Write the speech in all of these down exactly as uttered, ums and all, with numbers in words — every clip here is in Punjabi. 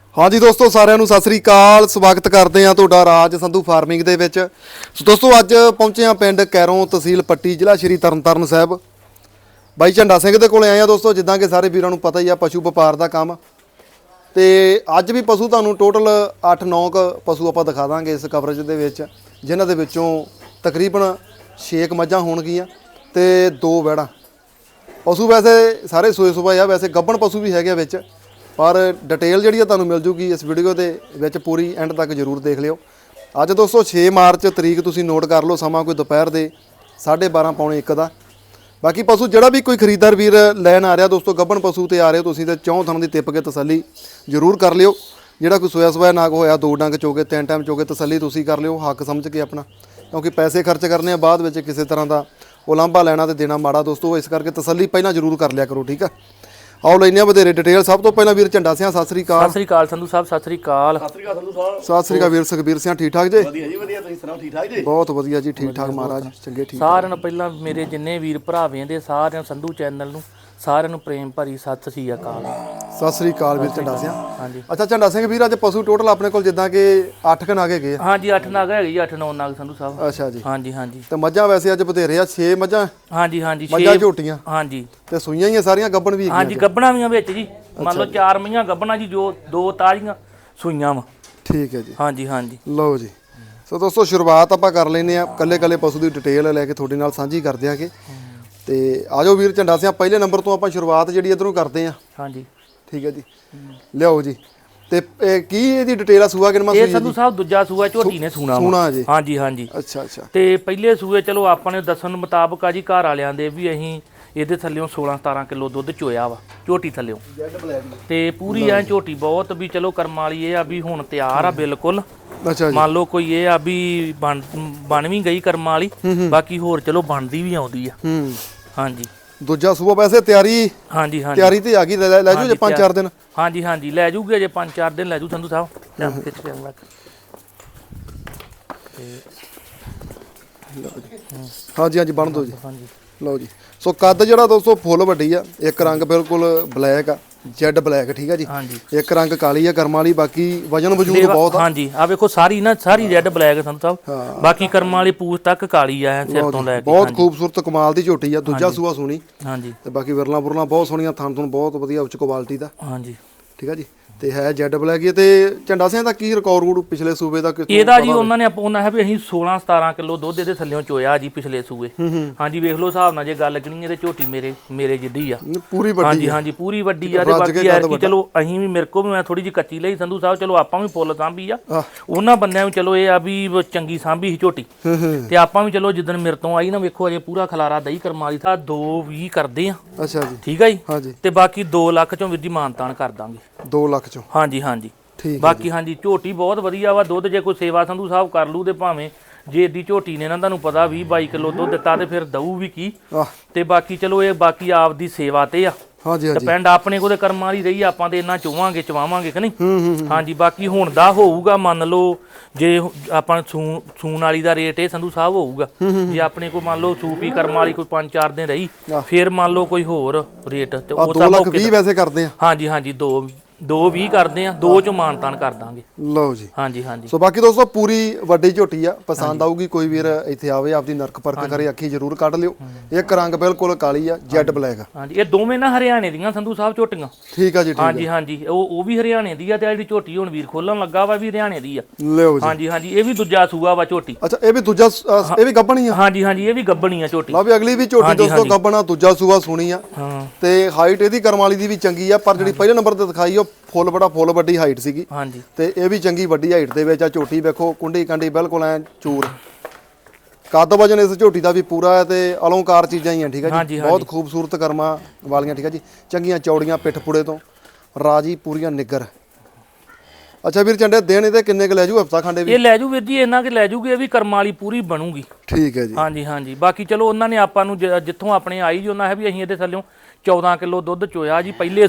हाँ जी दोस्तों साਰਿਆਂ ਨੂੰ ਸਤਿ ਸ੍ਰੀ ਅਕਾਲ ਸਵਾਗਤ ਕਰਦੇ ਆ ਤੁਹਾਡਾ ਰਾਜ ਸੰਧੂ ਫਾਰਮਿੰਗ ਦੇ ਵਿੱਚ। ਸੋ ਦੋਸਤੋ ਅੱਜ ਪਹੁੰਚੇ ਆ ਪਿੰਡ ਕੈਰੋਂ ਤਹਿਸੀਲ ਪੱਟੀ ਜ਼ਿਲ੍ਹਾ ਸ਼੍ਰੀ ਤਰਨਤਾਰਨ ਸਾਹਿਬ। ਬਾਈ ਝੰਡਾ ਸਿੰਘ ਦੇ ਕੋਲੇ ਆਏ ਆ ਦੋਸਤੋ। ਜਿੱਦਾਂ ਕਿ ਸਾਰੇ ਵੀਰਾਂ ਨੂੰ ਪਤਾ ਹੀ ਆ ਪਸ਼ੂ ਵਪਾਰ ਦਾ ਕੰਮ ਤੇ ਅੱਜ ਵੀ ਪਸ਼ੂ ਤੁਹਾਨੂੰ ਟੋਟਲ ਅੱਠ ਨੌ ਕ ਪਸ਼ੂ ਆਪਾਂ ਦਿਖਾ ਦਾਂਗੇ ਇਸ ਕਵਰੇਜ ਦੇ ਵਿੱਚ, ਜਿਨ੍ਹਾਂ ਦੇ ਵਿੱਚੋਂ ਤਕਰੀਬਨ ਛੇ ਕ ਮੱਝਾਂ ਹੋਣਗੀਆਂ ਤੇ ਦੋ ਵੈੜਾਂ। ਪਸ਼ੂ ਵੈਸੇ ਸਾਰੇ ਸੂਏ ਸੁਭਾਏ ਆ, ਵੈਸੇ ਗੱਭਣ ਪਸ਼ੂ ਵੀ ਹੈਗੇ ਵਿੱਚ, पर डिटेल जी ਤੁਹਾਨੂੰ ਮਿਲ ਜੂਗੀ इस वीडियो ਦੇ ਵਿੱਚ पूरी एंड तक जरूर देख लियो। ਅੱਜ ਦੋਸਤੋ छे मार्च तरीक ਤੁਸੀਂ नोट कर लो, ਸਮਾਂ ਕੋਈ ਦੁਪਹਿਰ ਦੇ साढ़े बारह पौने एक ਦਾ। ਬਾਕੀ ਪਸ਼ੂ ਜਿਹੜਾ ਵੀ ਕੋਈ ਖਰੀਦਦਾਰ ਵੀਰ ਲੈਣ ਆ ਰਿਹਾ ਦੋਸਤੋ, ਗੱਭਣ ਪਸ਼ੂ ਤੇ ਆ ਰਹੇ ਹੋ ਤੁਸੀਂ ਤੇ ਚੌਂ ਥਣ ਦੀ ਟਿੱਪ ਕੇ ਤਸੱਲੀ ਜ਼ਰੂਰ ਕਰ ਲਿਓ। ਜਿਹੜਾ ਕੋਈ ਸੋਇਆ ਸੋਇਆ ਨਾਗ ਹੋਇਆ ਦੋ ਡੰਗ ਚੋਗੇ ਤਿੰਨ ਟਾਈਮ ਚੋਗੇ ਤਸੱਲੀ ਤੁਸੀਂ ਕਰ ਲਿਓ ਹੱਕ ਸਮਝ ਕੇ ਆਪਣਾ, ਕਿਉਂਕਿ ਪੈਸੇ ਖਰਚ ਕਰਨੇ ਆ ਬਾਅਦ ਵਿੱਚ ਕਿਸੇ ਤਰ੍ਹਾਂ ਦਾ ਉਲਾਂਭਾ ਲੈਣਾ ਤੇ ਦੇਣਾ ਮਾੜਾ ਦੋਸਤੋ, ਇਸ ਕਰਕੇ ਤਸੱਲੀ ਪਹਿਲਾਂ ਜ਼ਰੂਰ ਕਰ ਲਿਆ ਕਰੋ, ਠੀਕ ਆ। आओ लेने ਵਧੇਰੇ डिटेल। सब तो पहला वीर झंडा सिंह सत श्री अकाल। सत श्री अकाल संधू साहब, सत श्री अकाल। सत श्री अकाल संधू साहब। सत श्री अकाल वीर सुखबीर सिंह, ठीक ठाक जी? ਵਧੀਆ ਜੀ ਵਧੀਆ, ਤੁਸੀਂ ਸੁਣਾਓ ਠੀਕ ਠਾਕ ਜੀ? ਬਹੁਤ ਵਧੀਆ ਜੀ, ਠੀਕ ਠਾਕ ਮਹਾਰਾਜ, ਚੰਗੇ ਠੀਕ। ਸਾਰਿਆਂ ਨੂੰ ਪਹਿਲਾਂ ਮੇਰੇ ਜਿੰਨੇ ਵੀਰ ਭਰਾ ਵੇਂਦੇ ਸਾਰਿਆਂ ਸੰਧੂ ਚੈਨਲ ਨੂੰ ਸਾਰਿਆਂ ਨੂੰ ਪ੍ਰੇਮ ਭਰੀ ਸਤਿ ਸ੍ਰੀ ਅਕਾਲ। ਸਤਿ ਸ੍ਰੀ ਅਕਾਲ ਵੀਰ ਝੰਡਾ ਸਿੰਘ। ਹਾਂਜੀ ਅੱਛਾ ਝੰਡਾ ਸਿੰਘ ਵੀਰ, ਅੱਜ ਪਸ਼ੂ ਟੋਟਲ ਆਪਣੇ ਕੋਲ ਜਿੱਦਾਂ ਕਿ ਅੱਠ ਕ ਨਾਗ ਹੈਗੇ ਆ? ਹਾਂਜੀ ਅੱਠ ਨਾਗ ਹੈਗੇ ਜੀ, ਅੱਠ ਨੌ ਨਾਗ ਸੰਧੂ ਸਾਹਿਬ। ਅੱਛਾ ਜੀ। ਹਾਂਜੀ ਹਾਂਜੀ ਤੇ ਮੱਝਾਂ ਵੈਸੇ ਅੱਜ ਬਥੇਰੇ ਆ, ਛੇ ਮੱਝਾਂ। ਹਾਂਜੀ ਹਾਂਜੀ ਮੱਝਾਂ ਝੋਟੀਆਂ ਹਾਂਜੀ ਤੇ ਸੂਈਆਂ ਹੀ ਆ ਸਾਰੀਆਂ, ਗੱਭਣ ਵੀ ਹਾਂਜੀ ਗੱਭਣਾ ਵੀਆਂ ਵਿੱਚ ਜੀ, ਮੰਨ ਲਓ ਚਾਰ ਮਈਆਂ ਗੱਭਣਾ ਜੀ, ਜੋ ਦੋ ਤਾਜ਼ੀਆਂ ਸੂਈਆਂ ਵਾ। ਠੀਕ ਹੈ ਜੀ। ਹਾਂਜੀ ਹਾਂਜੀ ਲਓ ਜੀ। ਸੋ ਦੋਸਤੋ ਸ਼ੁਰੂਆਤ ਆਪਾਂ ਕਰ ਲੈਨੇ ਆ, ਕੱਲੇ ਕੱਲੇ ਪਸ਼ੂ ਦੀ ਡਿਟੇਲ ਲੈ ਕੇ ਤੁਹਾਡੇ ਨਾਲ ਸਾਂਝੀ ਕਰ ਦਿਆਂਗੇ। ਤੇ ਆਜੋ ਵੀਰ ਝੰਡਾ ਸਿੰਘ, ਪਹਿਲੇ ਨੰਬਰ ਤੋਂ ਆਪਾਂ ਸ਼ੁਰੂਆਤ ਜਿਹੜੀ ਇਧਰੋਂ ਕਰਦੇ ਆ। ਹਾਂਜੀ ਠੀਕ ਹੈ ਜੀ, ਲਿਆਓ ਜੀ। ਤੇ ਇਹ ਕੀ ਇਹਦੀ ਡਿਟੇਲ ਆ? ਸੂਆ ਕਿੰਨਾ ਸੂਈ ਇਹ ਸੰਧੂ ਸਾਹਿਬ ਦੂਜਾ ਸੂਆ ਝੋਟੀ ਨੇ ਸੂਣਾ ਸੂਣਾ ਜੀ। ਹਾਂਜੀ ਹਾਂਜੀ ਅੱਛਾ ਅੱਛਾ। ਤੇ ਪਹਿਲੇ ਸੂਏ ਚਲੋ ਆਪਾਂ ਨੇ ਦੱਸਣ ਮੁਤਾਬਕ ਆ ਜੀ ਘਰ ਵਾਲਿਆਂ ਦੇ ਵੀ ਅਸੀਂ ਇਹਦੇ ਥੱਲਿਓਂ ਸੋਲਾਂ ਸਤਾਰਾਂ ਕਿਲੋ ਦੁੱਧ ਚੋਇਆ ਵਾ ਝੋਟੀ ਥੱਲਿਓਂ। ਤੇ ਪੂਰੀ ਐ ਝੋਟੀ ਬਹੁਤ ਵੀ ਚਲੋ ਕਰਮ ਵਾਲੀ ਇਹ ਆ ਵੀ ਹੁਣ ਤਿਆਰ ਆ ਬਿਲਕੁਲ। ਅੱਛਾ ਜੀ। ਮੰਨ ਲਓ ਕੋਈ ਇਹ ਆ ਵੀ ਬਣ ਬਣ ਵੀ ਗਈ ਕਰਮ ਵਾਲੀ, ਬਾਕੀ ਹੋਰ ਚਲੋ ਬਣਦੀ ਵੀ ਆਉਂਦੀ ਆ। ਹੂੰ ਹਾਂਜੀ। ਦੂਜਾ ਸੂਆ ਵੈਸੇ ਤਿਆਰੀ ਹਾਂਜੀ ਹਾਂਜੀ ਤਿਆਰੀ ਤੇ ਆ ਗਈ, ਲੈ ਲੈ ਜੂ ਜੇ ਪੰਜ ਚਾਰ ਦਿਨ। ਹਾਂਜੀ ਹਾਂਜੀ ਲੈ ਜੂਗੇ ਜੇ ਪੰਜ ਚਾਰ ਦਿਨ ਲੈ ਜੂ ਸੰਧੂ ਸਾਹਿਬ। ਖਿੱਚ ਕੇ ਲੱਗ ਹਾਂਜੀ ਹਾਂਜੀ ਬਣ ਦੋ ਜੀ। ਹਾਂਜੀ ਲਓ ਜੀ। ਸੋ ਕੱਦ ਜਿਹੜਾ ਦੋਸਤੋ ਫੁੱਲ ਵੱਡੀ ਆ, ਇੱਕ ਰੰਗ ਬਿਲਕੁਲ ਬਲੈਕ ਆ, ਜੈਡ ਬਲੈਕ, ਠੀਕ ਆ ਜੀ। ਇੱਕ ਰੰਗ ਕਾਲੀ ਆ ਕਰਮ ਵਾਲੀ, ਬਾਕੀ ਵਜਨ ਵਜੂਦ ਬਹੁਤ ਆ। ਹਾਂਜੀ ਆ ਵੇਖੋ ਸਾਰੀ ਨਾ ਸਾਰੀ ਰੈੱਡ ਬਲੈਕ ਸੰਧੂ ਸਾਹਿਬ, ਬਾਕੀ ਕਰਮ ਵਾਲੀ ਪੂਛ ਤੱਕ ਕਾਲੀ ਆ ਸਿਰ ਤੋਂ ਲੈ ਕੇ। ਬਹੁਤ ਖੂਬਸੂਰਤ ਕਮਾਲ ਦੀ ਝੋਟੀ ਆ, ਦੂਜਾ ਸੂਆ ਸੋਹਣੀ। ਹਾਂਜੀ ਤੇ ਬਾਕੀ ਵਿਰਲਾ ਬੁਰਲਾ ਬਹੁਤ ਸੋਹਣੀਆਂ, ਥਣ ਥਣ ਬਹੁਤ ਵਧੀਆ ਉੱਚ ਕੁਆਲਿਟੀ ਦਾ। ਹਾਂਜੀ ਠੀਕ ਆ ਜੀ। ਤੇ ਹੈ ਜੈਡ ਬਲੈਕ ਹੀ। ਤੇ ਝੰਡਾ ਸਿੰਘ ਦਾ ਕੀ ਰਿਕਾਰਡ ਪਿਛਲੇ ਸੂਬੇ ਦਾ? ਇਹਦਾ ਜੀ ਉਹਨਾਂ ਨੇ ਉਹਨਾਂ ਹੈ ਵੀ ਅਸੀਂ ਸੋਲਾਂ ਸਤਾਰਾਂ ਕਿਲੋ ਦੁੱਧ ਇਹਦੇ ਥੱਲਿਓਂ ਚੋਇਆ ਜੀ ਪਿਛਲੇ ਸੂਏ। ਹਾਂਜੀ ਵੇਖ ਲਓ ਹਿਸਾਬ ਨਾਲ ਜੇ ਗੱਲ ਕਰੀਏ ਤੇ ਝੋਟੀ ਮੇਰੇ ਮੇਰੇ ਜਿੱਡੀ ਆ, ਪੂਰੀ ਵੱਡੀ। ਹਾਂਜੀ ਹਾਂਜੀ ਪੂਰੀ ਵੱਡੀ ਆ। ਤੇ ਬਾਕੀ ਯਾਰ ਕੀ ਚਲੋ ਅਸੀਂ ਵੀ ਮੇਰੇ ਕੋ ਵੀ ਮੈਂ ਥੋੜੀ ਜਿਹੀ ਕੱਚੀ ਲਈ ਸੰਧੂ ਸਾਹਿਬ, ਚਲੋ ਆਪਾਂ ਵੀ ਫੁੱਲ ਸਾਂਭੀ ਆ। ਉਹਨਾਂ ਬੰਦਿਆਂ ਵੀ ਚਲੋ ਇਹ ਆ ਵੀ ਚੰਗੀ ਸਾਂਭੀ ਸੀ ਝੋਟੀ, ਤੇ ਆਪਾਂ ਵੀ ਚਲੋ ਜਿੱਦਣ ਮੇਰੇ ਤੋਂ ਆਈ ਨਾ ਵੇਖੋ ਅਜੇ ਪੂਰਾ ਖਲਾਰਾ ਦਹੀਂ ਕਰਮਾਲੀ ਦਾ ਦੋ ਵੀਹ ਕਰਦੇ ਆ। ਅੱਛਾ ਜੀ। ਠੀਕ ਆ ਜੀ। ਹਾਂਜੀ। ਤੇ ਬਾਕੀ ਦੋ ਲੱਖ ਚੋਂ ਵੀਰ ਜੀ ਮਾਨਤਾਨ ਕਰ ਦਾਂਗੇ। ਦੋ ਲੱਖ ਚੋਂ? ਹਾਂਜੀ ਹਾਂਜੀ ਬਾਕੀ ਹਾਂਜੀ ਝੋਟੀ ਬਹੁਤ ਵਧੀਆ ਵਾ। ਦੁੱਧ ਜੇ ਕੋਈ ਸੇਵਾ ਸੰਧੂ ਸਾਹਿਬ ਕਰ ਲੂ ਤੇ ਭਾਵੇਂ ਜੇ ਏਡੀ ਝੋਟੀ ਨੇ ਨਾ ਤੁਹਾਨੂੰ ਪਤਾ ਵੀਹ ਬਾਈ ਕਿਲੋ ਦੁੱਧ ਦਿੱਤਾ ਤੇ ਫਿਰ ਦਊ ਵੀ ਕੀ। ਤੇ ਬਾਕੀ ਚਲੋ ਇਹ ਬਾਕੀ ਆਪ ਦੀ ਸੇਵਾ ਤੇ ਆ। ਹਾਂਜੀ ਹਾਂਜੀ ਡਿਪੈਂਡ ਆਪਣੇ ਕੋਲ ਤੇ ਕਰਮਾਂ ਵਾਲੀ ਰਹੀ, ਆਪਾਂ ਤੇ ਇੰਨਾ ਚੋਵਾਂਗੇ ਚਵਾਵਾਂਗੇ ਕਿ ਨਹੀਂ। ਹਾਂਜੀ ਬਾਕੀ ਹੁਣ ਦਾ ਹੋਊਗਾ, ਮੰਨ ਲਓ ਜੇ ਆਪਾਂ ਸੂ ਸੂਣ ਵਾਲੀ ਦਾ ਰੇਟ ਇਹ ਸੰਧੂ ਸਾਹਿਬ ਹੋਊਗਾ। ਜੇ ਆਪਣੇ ਕੋਲ ਮੰਨ ਲਓ ਸੂਪੀ ਕਰਮ ਵਾਲੀ ਕੋਈ ਪੰਜ ਚਾਰ ਦਿਨ ਰਹੀ, ਫਿਰ ਮੰਨ ਲਓ ਕੋਈ ਹੋਰ ਰੇਟ ਤੇ ਉਹ ਦੋ ਲੱਖ ਵੀਹ ਵੈਸੇ ਕਰਦੇ ਆ। ਹਾਂਜੀ ਹਾਂਜੀ ਦੋ ਦੋ ਵੀਹ ਕਰਦੇ ਆ, ਦੋ ਚੋਂ ਮਾਨਤਾਨ ਕਰ ਦਾਂਗੇ। ਲਓ ਜੀ। ਹਾਂਜੀ ਹਾਂਜੀ। ਸੋ ਬਾਕੀ ਦੋਸਤੋ ਪੂਰੀ ਵੱਡੀ ਝੋਟੀ ਆ, ਪਸੰਦ ਆਊਗੀ ਕੋਈ ਵੀਰ ਇੱਥੇ ਆਵੇ ਆਪਦੀ ਨਰਕ ਪਰਖ ਕਰੇ, ਅੱਖੀ ਜ਼ਰੂਰ ਕੱਢ ਲਿਓ। ਇੱਕ ਰੰਗ ਬਿਲਕੁਲ ਕਾਲੀ ਆ, ਜੈਡ ਬਲੈਕ। ਹਾਂਜੀ ਇਹ ਦੋਵੇਂ ਨਾ ਹਰਿਆਣੇ ਦੀਆਂ ਸੰਧੂ ਸਾਹਿਬ ਝੋਟੀਆਂ। ਠੀਕ ਆ ਜੀ। ਹਾਂਜੀ ਹਾਂਜੀ ਉਹ ਉਹ ਵੀ ਹਰਿਆਣੇ ਦੀ ਆ, ਤੇ ਜਿਹੜੀ ਝੋਟੀ ਹੁਣ ਵੀਰ ਖੋਲਣ ਲੱਗਾ ਵਾ ਵੀ ਹਰਿਆਣੇ ਦੀ ਆ। ਲਿਓ ਜੀ। ਹਾਂਜੀ ਹਾਂਜੀ ਇਹ ਵੀ ਦੂਜਾ ਸੂਆ ਵਾ ਝੋਟੀ। ਅੱਛਾ ਇਹ ਵੀ ਦੂਜਾ, ਇਹ ਵੀ ਗੱਭਣੀ ਆ? ਹਾਂਜੀ ਹਾਂਜੀ ਇਹ ਵੀ ਗੱਭਣੀ ਆ ਝੋਟੀ। ਲਓ ਵੀ ਅਗਲੀ ਵੀ ਝੋਟੀ ਦੋਸਤੋ ਗੱਭਣਾ, ਦੂਜਾ ਸੂਆ ਸੁਣੀ ਆ। ਤੇ ਹਾਈਟ ਇਹਦੀ ਕਰਮ ਵਾਲੀ ਦੀ ਵੀ ਚੰਗੀ ਆ, ਪਰ ਜਿਹੜੀ ਪਹਿਲੇ ਨੰਬਰ ਤੇ ਦਿਖਾਈ ਉਹ ਫੁੱਲ ਬੜਾ ਫੁੱਲ ਵੱਡੀ ਹਾਈਟ ਸੀਗੀ। ਹਾਂਜੀ। ਤੇ ਇਹ ਵੀ ਚੰਗੀ ਵੱਡੀ ਹਾਈਟ ਦੇ ਵਿੱਚ ਆ ਝੋਟੀ। ਵੇਖੋ ਕੁੰਡੀ ਕਾਂਡੀ ਬਿਲਕੁਲ ਐ ਚੂਰ। ਕੱਦ ਵਜਨ ਇਸ ਝੋਟੀ ਦਾ ਵੀ ਪੂਰਾ ਹੈ ਤੇ ਅਲੰਕਾਰ ਚੀਜ਼ਾਂ ਹੀ ਆ। ਠੀਕ ਆ ਜੀ। ਬਹੁਤ ਖੂਬਸੂਰਤ ਕਰਮਾਂ ਵਾਲੀਆਂ। ਠੀਕ ਆ ਜੀ। ਚੰਗੀਆਂ ਚੌੜੀਆਂ ਪਿੱਠ ਪੁੜੇ ਤੋਂ ਰਾਜੀ ਪੂਰੀਆਂ ਨਿੱਗਰ। ਅੱਛਾ ਵੀਰ ਝੰਡੇ ਦਿਨ ਇਹਦੇ ਕਿੰਨੇ ਕ ਲੈ ਜੂ? ਹਫਤਾ ਖੰਡੇ ਵੀ ਇਹ ਲੈ ਜੂ ਵੀਰ ਜੀ, ਇਹਨਾਂ ਕਿ ਲੈ ਜੂਗੀ, ਇਹ ਵੀ ਕਰਮਾਂ ਵਾਲੀ ਪੂਰੀ ਬਣੂਗੀ। ਠੀਕ ਹੈ ਜੀ। ਹਾਂਜੀ ਹਾਂਜੀ ਬਾਕੀ ਚਲੋ ਉਹਨਾਂ ਨੇ ਆਪਾਂ ਨੂੰ ਜਿੱਥੋਂ ਆਪਣੇ ਆਈ ਜੀ ਉਹਨਾਂ ਹੈ ਵੀ ਅਸੀਂ ਇਹਦੇ ਥੱਲਿਓਂ ਚੌਦਾਂ ਕਿਲੋ ਦੁੱਧ ਚੋਇਆ ਜੀ ਪਹਿਲੇ ਸੂਏ।